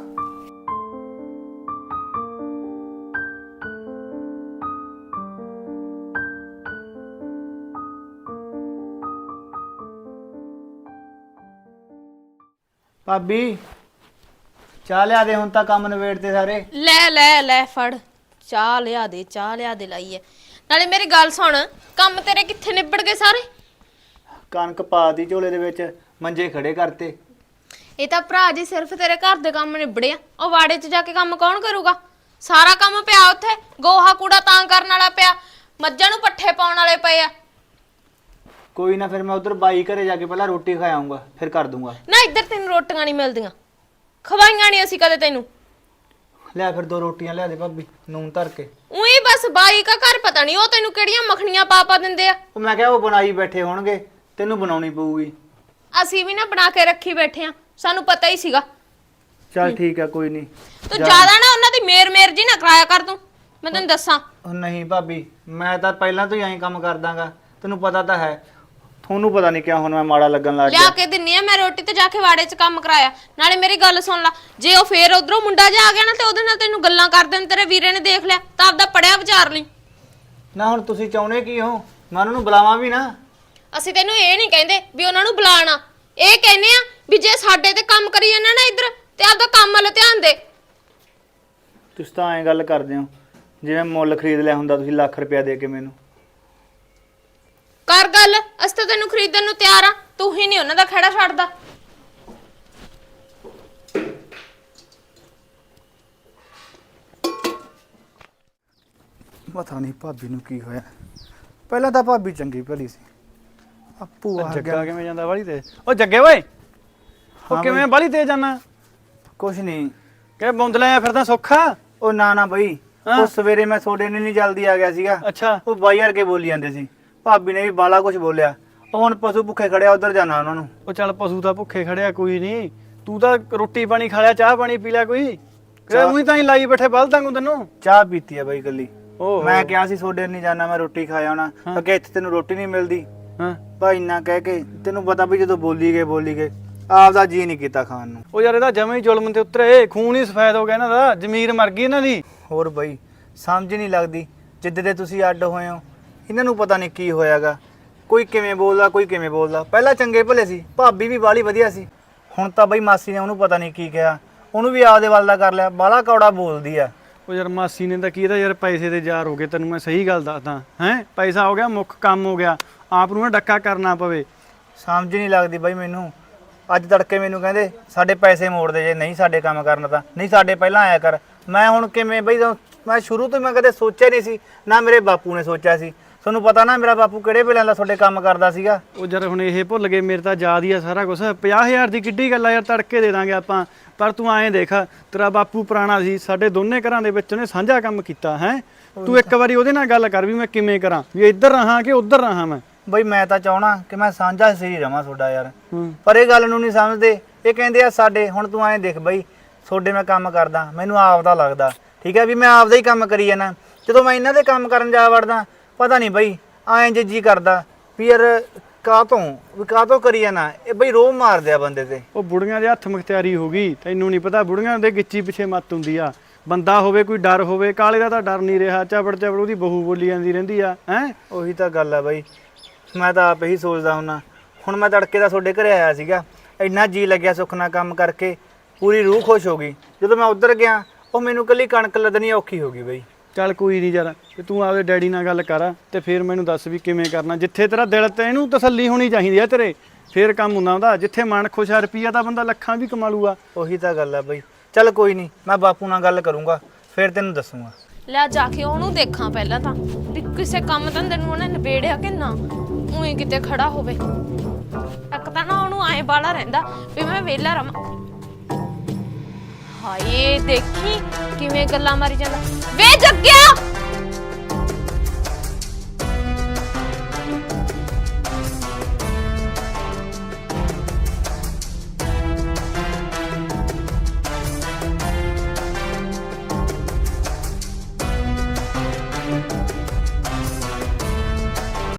[SPEAKER 4] ਭਾਬੀ ਚਾਹ ਲਿਆ ਦੇ, ਹੁਣ ਤਾਂ ਕੰਮ ਨਵੇੜਤੇ ਸਾਰੇ।
[SPEAKER 1] ਲੈ ਲੈ ਲੈ ਫੜ, ਚਾਹ ਲਿਆ ਦੇ, ਚਾਹ ਲਿਆ ਦੇ ਲਾਈ ਐ। ਨਾਲੇ ਮੇਰੀ ਗੱਲ ਸੁਣ, ਕੰਮ ਤੇਰੇ ਕਿੱਥੇ ਨਿਬੜ ਗਏ ਸਾਰੇ?
[SPEAKER 4] ਕਣਕ ਪਾਤੀ ਝੋਲੇ ਦੇ ਵਿੱਚ, ਮੰਜੇ ਖੜੇ ਕਰਤੇ।
[SPEAKER 1] ਇਹ ਤਾਂ ਭਰਾ ਜੀ ਸਿਰਫ ਤੇਰੇ ਘਰ ਦੇ ਕੰਮ ਨਿਬੜਿਆ, ਉਹ ਵਾੜੇ 'ਚ ਜਾ ਕੇ ਕੰਮ ਕੌਣ ਕਰੂਗਾ? ਸਾਰਾ ਕੰਮ ਪਿਆ ਉੱਥੇ, ਗੋਹਾ ਕੂੜਾ ਤਾਂ ਕਰਨ ਵਾਲਾ ਪਿਆ, ਮੱਝਾਂ ਨੂੰ ਪੱਠੇ ਪਾਉਣ ਵਾਲੇ ਪਏ ਆ।
[SPEAKER 4] ਕੋਈ ਨਾ, ਫਿਰ ਮੈਂ ਉਧਰ ਬਾਈ ਘਰੇ ਜਾ ਕੇ ਪਹਿਲਾਂ ਰੋਟੀ ਖਾ ਆਉਂਗਾ, ਫਿਰ ਕਰ ਦੂੰਗਾ।
[SPEAKER 1] ਨਾ ਇੱਧਰ ਤੈਨੂੰ ਰੋਟੀਆਂ ਨਹੀਂ ਮਿਲਦੀਆਂ, ਖਵਾਈਆਂ ਨਹੀਂ ਅਸੀਂ ਕਦੇ ਤੈਨੂੰ।
[SPEAKER 4] ਲਿਆ ਫਿਰ ਦੋ ਰੋਟੀਆਂ ਲਿਆ ਦੇ ਭਾਬੀ, ਨੂਨ ਧਰ ਕੇ।
[SPEAKER 1] ਉਹੀ ਬਸ ਬਾਈ ਕਾ ਘਰ ਪਤਾ ਨਹੀਂ ਉਹ ਤੈਨੂੰ ਕਿਹੜੀਆਂ ਮੱਖਣੀਆਂ ਪਾ ਪਾ ਦਿੰਦੇ ਆ।
[SPEAKER 4] ਉਹ ਮੈਂ ਕਿਹਾ ਉਹ ਬਣਾਈ ਬੈਠੇ ਹੋਣਗੇ, ਤੈਨੂੰ ਬਣਾਉਣੀ ਪਊਗੀ।
[SPEAKER 1] ਅਸੀਂ ਵੀ ਨਾ ਬਣਾ ਕੇ ਰੱਖੀ ਬੈਠੇ ਆ, ਸਾਨੂੰ ਪਤਾ ਹੀ ਸੀਗਾ।
[SPEAKER 4] ਚੱਲ ਠੀਕ ਆ ਕੋਈ ਨਹੀਂ।
[SPEAKER 1] ਤੂੰ ਜ਼ਿਆਦਾ ਨਾ ਉਹਨਾਂ ਦੀ ਮੇਰ ਮੇਰ ਜੀ ਨਾ ਕਰਾਇਆ ਕਰ ਤੂੰ, ਮੈਂ ਤੈਨੂੰ ਦੱਸਾਂ।
[SPEAKER 4] ਉਹ ਨਹੀਂ ਭਾਬੀ, ਮੈਂ ਤਾਂ ਪਹਿਲਾਂ ਤੋਂ ਹੀ ਐਂ ਕੰਮ ਕਰਦਾਗਾ, ਤੈਨੂੰ ਪਤਾ ਤਾਂ ਹੈ। ਤੁਹਾਨੂੰ ਪਤਾ ਨਹੀਂ ਕਿਉਂ ਹੁਣ ਮੈਂ ਮਾੜਾ ਲੱਗਣ ਲੱਗ
[SPEAKER 1] ਲਿਆ
[SPEAKER 4] ਗਿਆ।
[SPEAKER 1] ਕੇ ਦਿੰਨੀ ਆ ਮੈਂ ਰੋਟੀ ਤੇ ਜਾ ਕੇ ਵਾੜੇ 'ਚ ਕੰਮ ਕਰਾਇਆ। ਨਾਲੇ ਮੇਰੀ ਗੱਲ ਸੁਣ ਲੈ, ਜੇ ਉਹ ਫੇਰ ਉਧਰੋਂ ਮੁੰਡਾ ਜਾ ਆ ਗਿਆ ਨਾ ਤੇ ਉਹਦੇ ਨਾਲ ਤੈਨੂੰ ਗੱਲਾਂ ਕਰਦੇ ਨੇ, ਤੇਰੇ ਵੀਰੇ ਨੇ ਦੇਖ ਲਿਆ ਤਾਂ ਆਪਦਾ ਪੜਿਆ ਵਿਚਾਰ ਲਈ।
[SPEAKER 4] ਨਾ ਹੁਣ ਤੁਸੀਂ ਚਾਹੁੰਦੇ ਕੀ ਹੋ, ਮੈਂ ਉਹਨਾਂ ਨੂੰ ਬੁਲਾਵਾਂ ਵੀ ਨਾ?
[SPEAKER 1] ਅਸੀਂ ਤੈਨੂੰ ਇਹ ਨਹੀਂ ਕਹਿੰਦੇ ਵੀ ਉਹਨਾਂ ਨੂੰ ਬੁਲਾਣਾ, ਇਹ ਕਹਿੰਦੇ ਆ ਵੀ ਜੇ ਸਾਡੇ ਤੇ ਕੰਮ ਕਰੀ ਜਾਂਦਾ ਨਾ ਇੱਧਰ ਤੇ ਆਪਦਾ ਕੰਮ ਵੱਲ ਧਿਆਨ ਦੇ।
[SPEAKER 4] ਤੁਸੀਂ ਤਾਂ ਐਂ ਗੱਲ ਕਰਦੇ ਹੋ ਜਿਵੇਂ ਮੁੱਲ ਖਰੀਦ ਲਿਆ ਹੁੰਦਾ ਤੁਸੀਂ ਲੱਖ ਰੁਪਇਆ ਦੇ ਕੇ ਮੈਨੂੰ।
[SPEAKER 1] ਕਰ ਗੱਲ, ਅਸੀਂ ਤਾਂ ਤੈਨੂੰ ਖਰੀਦਣ ਨੂੰ ਤਿਆਰ ਆ, ਤੂੰ ਹੀ ਨਹੀਂ ਉਹਨਾਂ ਦਾ ਖੜਾ ਛੱਡਦਾ।
[SPEAKER 4] ਪਤਾ ਨਹੀਂ ਭਾਬੀ ਨੂੰ ਕੀ ਹੋਇਆ। ਪਹਿਲਾਂ ਤਾਂ ਭਾਬੀ ਚੰਗੀ ਭਲੀ ਸੀ, ਆਪੂ ਆ
[SPEAKER 5] ਜੱਗਾ
[SPEAKER 4] ਗਿਆ।
[SPEAKER 5] ਕਿਵੇਂ ਜਾਂਦਾ ਬਾਲੀ ਤੇ? ਉਹ ਜੱਗੇ ਓਏ, ਉਹ
[SPEAKER 4] ਹਾਂ
[SPEAKER 5] ਕਿਵੇਂ ਬਾਲੀ ਤੇ ਜਾਣਾ?
[SPEAKER 4] ਕੁਛ ਨਹੀਂ।
[SPEAKER 5] ਕਿ ਬੌਂਦਲਾ ਆ ਫਿਰਦਾ ਸੌਖਾ?
[SPEAKER 4] ਉਹ ਨਾ ਨਾ ਬਈ,
[SPEAKER 5] ਹਾਂ।
[SPEAKER 4] ਉਹ ਸਵੇਰੇ ਮੈਂ ਤੁਹਾਡੇ ਨੇ ਨਹੀਂ ਜਲਦੀ ਆ ਗਿਆ ਸੀਗਾ।
[SPEAKER 5] ਅੱਛਾ
[SPEAKER 4] ਉਹ ਬਾਈ ਵਰਗੇ ਬੋਲੀ ਜਾਂਦੇ ਸੀ, ਭਾਬੀ ਨੇ ਵੀ ਬਾਲਾ ਕੁਝ ਬੋਲਿਆ। ਉਹ ਹੁਣ ਪਸ਼ੂ ਭੁੱਖੇ ਖੜਿਆ, ਉਧਰ ਜਾਣਾ ਉਹਨਾਂ ਨੂੰ।
[SPEAKER 5] ਉਹ ਚੱਲ ਪਸ਼ੂ ਤਾਂ ਭੁੱਖੇ ਖੜਿਆ ਕੋਈ ਨਹੀਂ, ਤੂੰ ਤਾਂ ਰੋਟੀ ਪਾਣੀ ਖਾ ਲਿਆ, ਚਾਹ ਪਾਣੀ ਪੀ ਲਿਆ ਕੋਈ? ਕਿ ਉਹੀ ਤਾਂ ਹੀ ਲਾਈ ਬੈਠੇ ਬਲਦਾਂ ਨੂੰ ਤੈਨੂੰ।
[SPEAKER 4] ਚਾਹ ਪੀਤੀ ਆ ਬਈ ਗੱਲੀ।
[SPEAKER 5] ਓਹ
[SPEAKER 4] ਮੈਂ ਕਿਹਾ ਸੀ ਤੁਹਾਡੇ ਨਹੀਂ ਜਾਣਾ, ਮੈਂ ਰੋਟੀ ਖਾ ਆਉਣਾ। ਅੱਗੇ ਇੱਥੇ ਤੈਨੂੰ ਰੋਟੀ ਨਹੀਂ ਮਿਲਦੀ।
[SPEAKER 5] ਹਾਂ
[SPEAKER 4] ਭਾਈ ਇੰਨਾ ਕਹਿ ਕੇ ਤੈਨੂੰ ਪਤਾ ਵੀ ਜਦੋਂ ਬੋਲੀ ਗਏ ਬੋਲੀ ਗਏ ਆਪਦਾ ਜੀ ਨਹੀਂ ਕੀਤਾ ਖਾਣ ਨੂੰ।
[SPEAKER 5] ਉਹ ਯਾਰ ਇਹਦਾ ਜਮੇ ਹੀ ਜ਼ੁਲਮ ਤੇ ਉਤਰੇ, ਖੂਨ ਹੀ ਸਫੈਦ ਹੋ ਗਿਆ ਇਹਨਾਂ ਦਾ, ਜ਼ਮੀਰ ਮਰ ਗਈ ਇਹਨਾਂ ਦੀ।
[SPEAKER 4] ਹੋਰ ਬਈ ਸਮਝ ਨਹੀਂ ਲੱਗਦੀ, ਜਿੱਦ ਦੇ ਤੁਸੀਂ ਅੱਡ ਹੋਏ ਹੋ ਇਹਨਾਂ ਨੂੰ ਪਤਾ ਨਹੀਂ ਕੀ ਹੋਇਆਗਾ। ਕੋਈ ਕਿਵੇਂ ਬੋਲਦਾ ਕੋਈ ਕਿਵੇਂ ਬੋਲਦਾ। ਪਹਿਲਾਂ ਚੰਗੇ ਭਲੇ ਸੀ, ਭਾਬੀ ਵੀ ਬਾਲੀ ਵਧੀਆ ਸੀ। ਹੁਣ ਤਾਂ ਬਈ ਮਾਸੀ ਨੇ ਉਹਨੂੰ ਪਤਾ ਨਹੀਂ ਕੀ ਕਿਹਾ, ਉਹਨੂੰ ਵੀ ਆਪਦੇ ਵੱਲ ਦਾ ਕਰ ਲਿਆ। ਬਾਲਾ ਕੌੜਾ ਬੋਲਦੀ ਆ।
[SPEAKER 5] ਉਹ ਯਾਰ ਮਾਸੀ ਨੇ ਤਾਂ ਕੀ ਇਹਦਾ ਯਾਰ ਪੈਸੇ ਦੇ ਜ਼ਾਰ ਹੋ ਗਏ, ਤੈਨੂੰ ਮੈਂ ਸਹੀ ਗੱਲ ਦੱਸਦਾ ਹੈ। ਪੈਸਾ ਹੋ ਗਿਆ ਮੁੱਖ ਕੰਮ ਹੋ ਗਿਆ, ਆਪ ਨੂੰ ਨਾ ਡੱਕਾ ਕਰਨਾ ਪਵੇ।
[SPEAKER 4] ਸਮਝ ਨਹੀਂ ਲੱਗਦੀ ਬਈ ਮੈਨੂੰ। ਅੱਜ ਤੜਕੇ ਮੈਨੂੰ ਕਹਿੰਦੇ ਸਾਡੇ ਪੈਸੇ ਮੋੜ ਦੇ ਜੇ ਨਹੀਂ ਸਾਡੇ ਕੰਮ ਕਰਨਾ ਤਾਂ, ਨਹੀਂ ਸਾਡੇ ਪਹਿਲਾਂ ਆਇਆ ਕਰ। ਮੈਂ ਹੁਣ ਕਿਵੇਂ ਬਈ, ਮੈਂ ਸ਼ੁਰੂ ਤੋਂ ਮੈਂ ਕਦੇ ਸੋਚਿਆ ਨਹੀਂ ਸੀ, ਨਾ ਮੇਰੇ ਬਾਪੂ ਨੇ ਸੋਚਿਆ ਸੀ। ਤੁਹਾਨੂੰ ਪਤਾ ਨਾ ਮੇਰਾ ਬਾਪੂ ਕਿਹੜੇ ਵੇਲੇ ਦਾ ਤੁਹਾਡੇ ਕੰਮ ਕਰਦਾ ਸੀਗਾ।
[SPEAKER 5] ਉਹ ਯਾਰ ਹੁਣ ਇਹ ਭੁੱਲ ਗਏ, ਮੇਰੇ ਤਾਂ ਯਾਦ ਹੀ ਆ ਸਾਰਾ ਕੁਝ। ਪੰਜਾਹ ਹਜ਼ਾਰ ਦੀ ਕਿੱਡੀ ਗੱਲ ਆ ਯਾਰ, ਤੜਕੇ ਦੇ ਦਾਂਗੇ ਆਪਾਂ। ਪਰ ਤੂੰ ਐਂ ਦੇਖ, ਤੇਰਾ ਬਾਪੂ ਪੁਰਾਣਾ ਸੀ, ਸਾਡੇ ਦੋਨੇ ਘਰਾਂ ਦੇ ਵਿੱਚ ਉਹਨੇ ਸਾਂਝਾ ਕੰਮ ਕੀਤਾ ਹੈ। ਤੂੰ ਇੱਕ ਵਾਰੀ ਉਹਦੇ ਨਾਲ ਗੱਲ ਕਰ ਵੀ ਮੈਂ ਕਿਵੇਂ ਕਰਾਂ, ਵੀ ਇੱਧਰ ਰਹਾਂ ਕਿ ਉੱਧਰ ਰਹਾਂ ਮੈਂ।
[SPEAKER 4] ਬਈ ਮੈਂ ਤਾਂ ਚਾਹਣਾ ਕਿ ਮੈਂ ਸਾਂਝਾ ਸਹੀ ਰਵਾਂ ਤੁਹਾਡਾ ਯਾਰ,
[SPEAKER 5] ਹੂੰ।
[SPEAKER 4] ਪਰ ਇਹ ਗੱਲ ਨੂੰ ਨਹੀਂ ਸਮਝਦੇ। ਇਹ ਕਹਿੰਦੇ ਆ ਸਾਡੇ। ਹੁਣ ਤੂੰ ਐਂ ਦੇਖ ਬਈ, ਤੁਹਾਡੇ ਮੈਂ ਕੰਮ ਕਰਦਾ, ਮੈਨੂੰ ਆਪਦਾ ਲੱਗਦਾ ਠੀਕ ਹੈ ਵੀ ਮੈਂ ਆਪਦਾ ਹੀ ਕੰਮ ਕਰੀ ਜਾਣਾ। ਜਦੋਂ ਮੈਂ ਇਹਨਾਂ ਦੇ ਕੰਮ ਕਰਨ ਜਾ ਵੜਦਾ, ਪਤਾ ਨਹੀਂ ਬਈ ਐਂ ਜੇ ਜੀ ਕਰਦਾ ਵੀ ਯਾਰ ਕਾਹਤੋਂ ਵੀ ਕਾਹਤੋਂ ਕਰੀ ਜਾਣਾ। ਇਹ ਬਈ ਰੋਹ ਮਾਰਦੇ ਆ ਬੰਦੇ ਤੇ।
[SPEAKER 5] ਉਹ ਬੁੜੀਆਂ ਦੇ ਹੱਥ ਮੁਖਤਿਆਰੀ ਹੋ ਗਈ, ਤੈਨੂੰ ਨਹੀਂ ਪਤਾ। ਬੁੜੀਆਂ ਦੇ ਗਿੱਚੀ ਪਿੱਛੇ ਮੱਤ ਹੁੰਦੀ ਆ। ਬੰਦਾ ਹੋਵੇ ਕੋਈ ਡਰ ਹੋਵੇ, ਕਾਲੇ ਦਾ ਤਾਂ ਡਰ ਨਹੀਂ ਰਿਹਾ। ਚਬੜ ਚਬੜ ਉਹਦੀ ਬਹੂ ਬੋਲੀ ਜਾਂਦੀ ਰਹਿੰਦੀ ਆ ਹੈ।
[SPEAKER 4] ਉਹੀ ਤਾਂ ਗੱਲ ਆ ਬਈ, ਮੈਂ ਤਾਂ ਆਪ ਹੀ ਸੋਚਦਾ ਹੁੰਨਾ। ਹੁਣ ਮੈਂ ਤੜਕੇ ਦਾ ਤੁਹਾਡੇ ਘਰੇ ਆਇਆ ਸੀਗਾ, ਇੰਨਾ ਜੀ ਲੱਗਿਆ ਸੁੱਖ ਨਾਲ ਕੰਮ ਕਰਕੇ, ਪੂਰੀ ਰੂਹ ਖੁਸ਼ ਹੋ ਗਈ। ਜਦੋਂ ਮੈਂ ਉੱਧਰ ਗਿਆ, ਉਹ ਮੈਨੂੰ ਕੱਲੀ ਕਣਕ ਲੱਦਣੀ ਔਖੀ ਹੋ ਗਈ ਬਈ।
[SPEAKER 5] ਚੱਲ ਕੋਈ ਨਹੀਂ ਯਾਰ, ਤੇ ਤੂੰ ਆਪਦੇ ਡੈਡੀ ਨਾਲ ਗੱਲ ਕਰ ਤੇ ਫਿਰ ਮੈਨੂੰ ਦੱਸ ਵੀ ਕਿਵੇਂ ਕਰਨਾ। ਜਿੱਥੇ ਤੇਰਾ ਦਿਲ ਤੇ ਇਹਨੂੰ ਤਸੱਲੀ ਹੋਣੀ ਚਾਹੀਦੀ ਆ ਤੇਰੇ, ਫਿਰ ਕੰਮ ਹੁੰਦਾ ਹੁੰਦਾ। ਜਿੱਥੇ ਮਨ ਖੁਸ਼ ਆ, ਰੁਪਈਆ ਤਾਂ ਬੰਦਾ ਲੱਖਾਂ ਵੀ ਕਮਾ ਲੂਗਾ।
[SPEAKER 4] ਉਹੀ ਤਾਂ ਗੱਲ ਆ ਬਈ। ਚੱਲ ਕੋਈ ਨਹੀਂ, ਮੈਂ ਬਾਪੂ ਨਾਲ ਗੱਲ ਕਰੂੰਗਾ, ਫਿਰ ਤੈਨੂੰ ਦੱਸੂਗਾ।
[SPEAKER 1] ਲੈ ਜਾ ਕੇ ਉਹਨੂੰ ਦੇਖਾਂ ਪਹਿਲਾਂ ਤਾਂ ਵੀ ਕਿਸੇ ਕੰਮ ਧੰਦੇ ਨੂੰ ਉਹਨੇ ਨਿਬੇੜਿਆ ਕਿ ਨਾ, ਉਹੀ ਕਿਤੇ ਖੜਾ ਹੋਵੇ। ਇੱਕ ਤਾਂ ਨਾ ਉਹਨੂੰ ਐਂ ਬਾਲਾ ਰਹਿੰਦਾ ਵੀ ਮੈਂ ਵਿਹਲਾ ਰਵਾਂ। ਹਾਏ ਦੇਖੀ ਕਿਵੇਂ ਗੱਲਾਂ ਮਾਰੀ ਜਾਂਦਾ। ਵੇ ਜੱਗਿਆ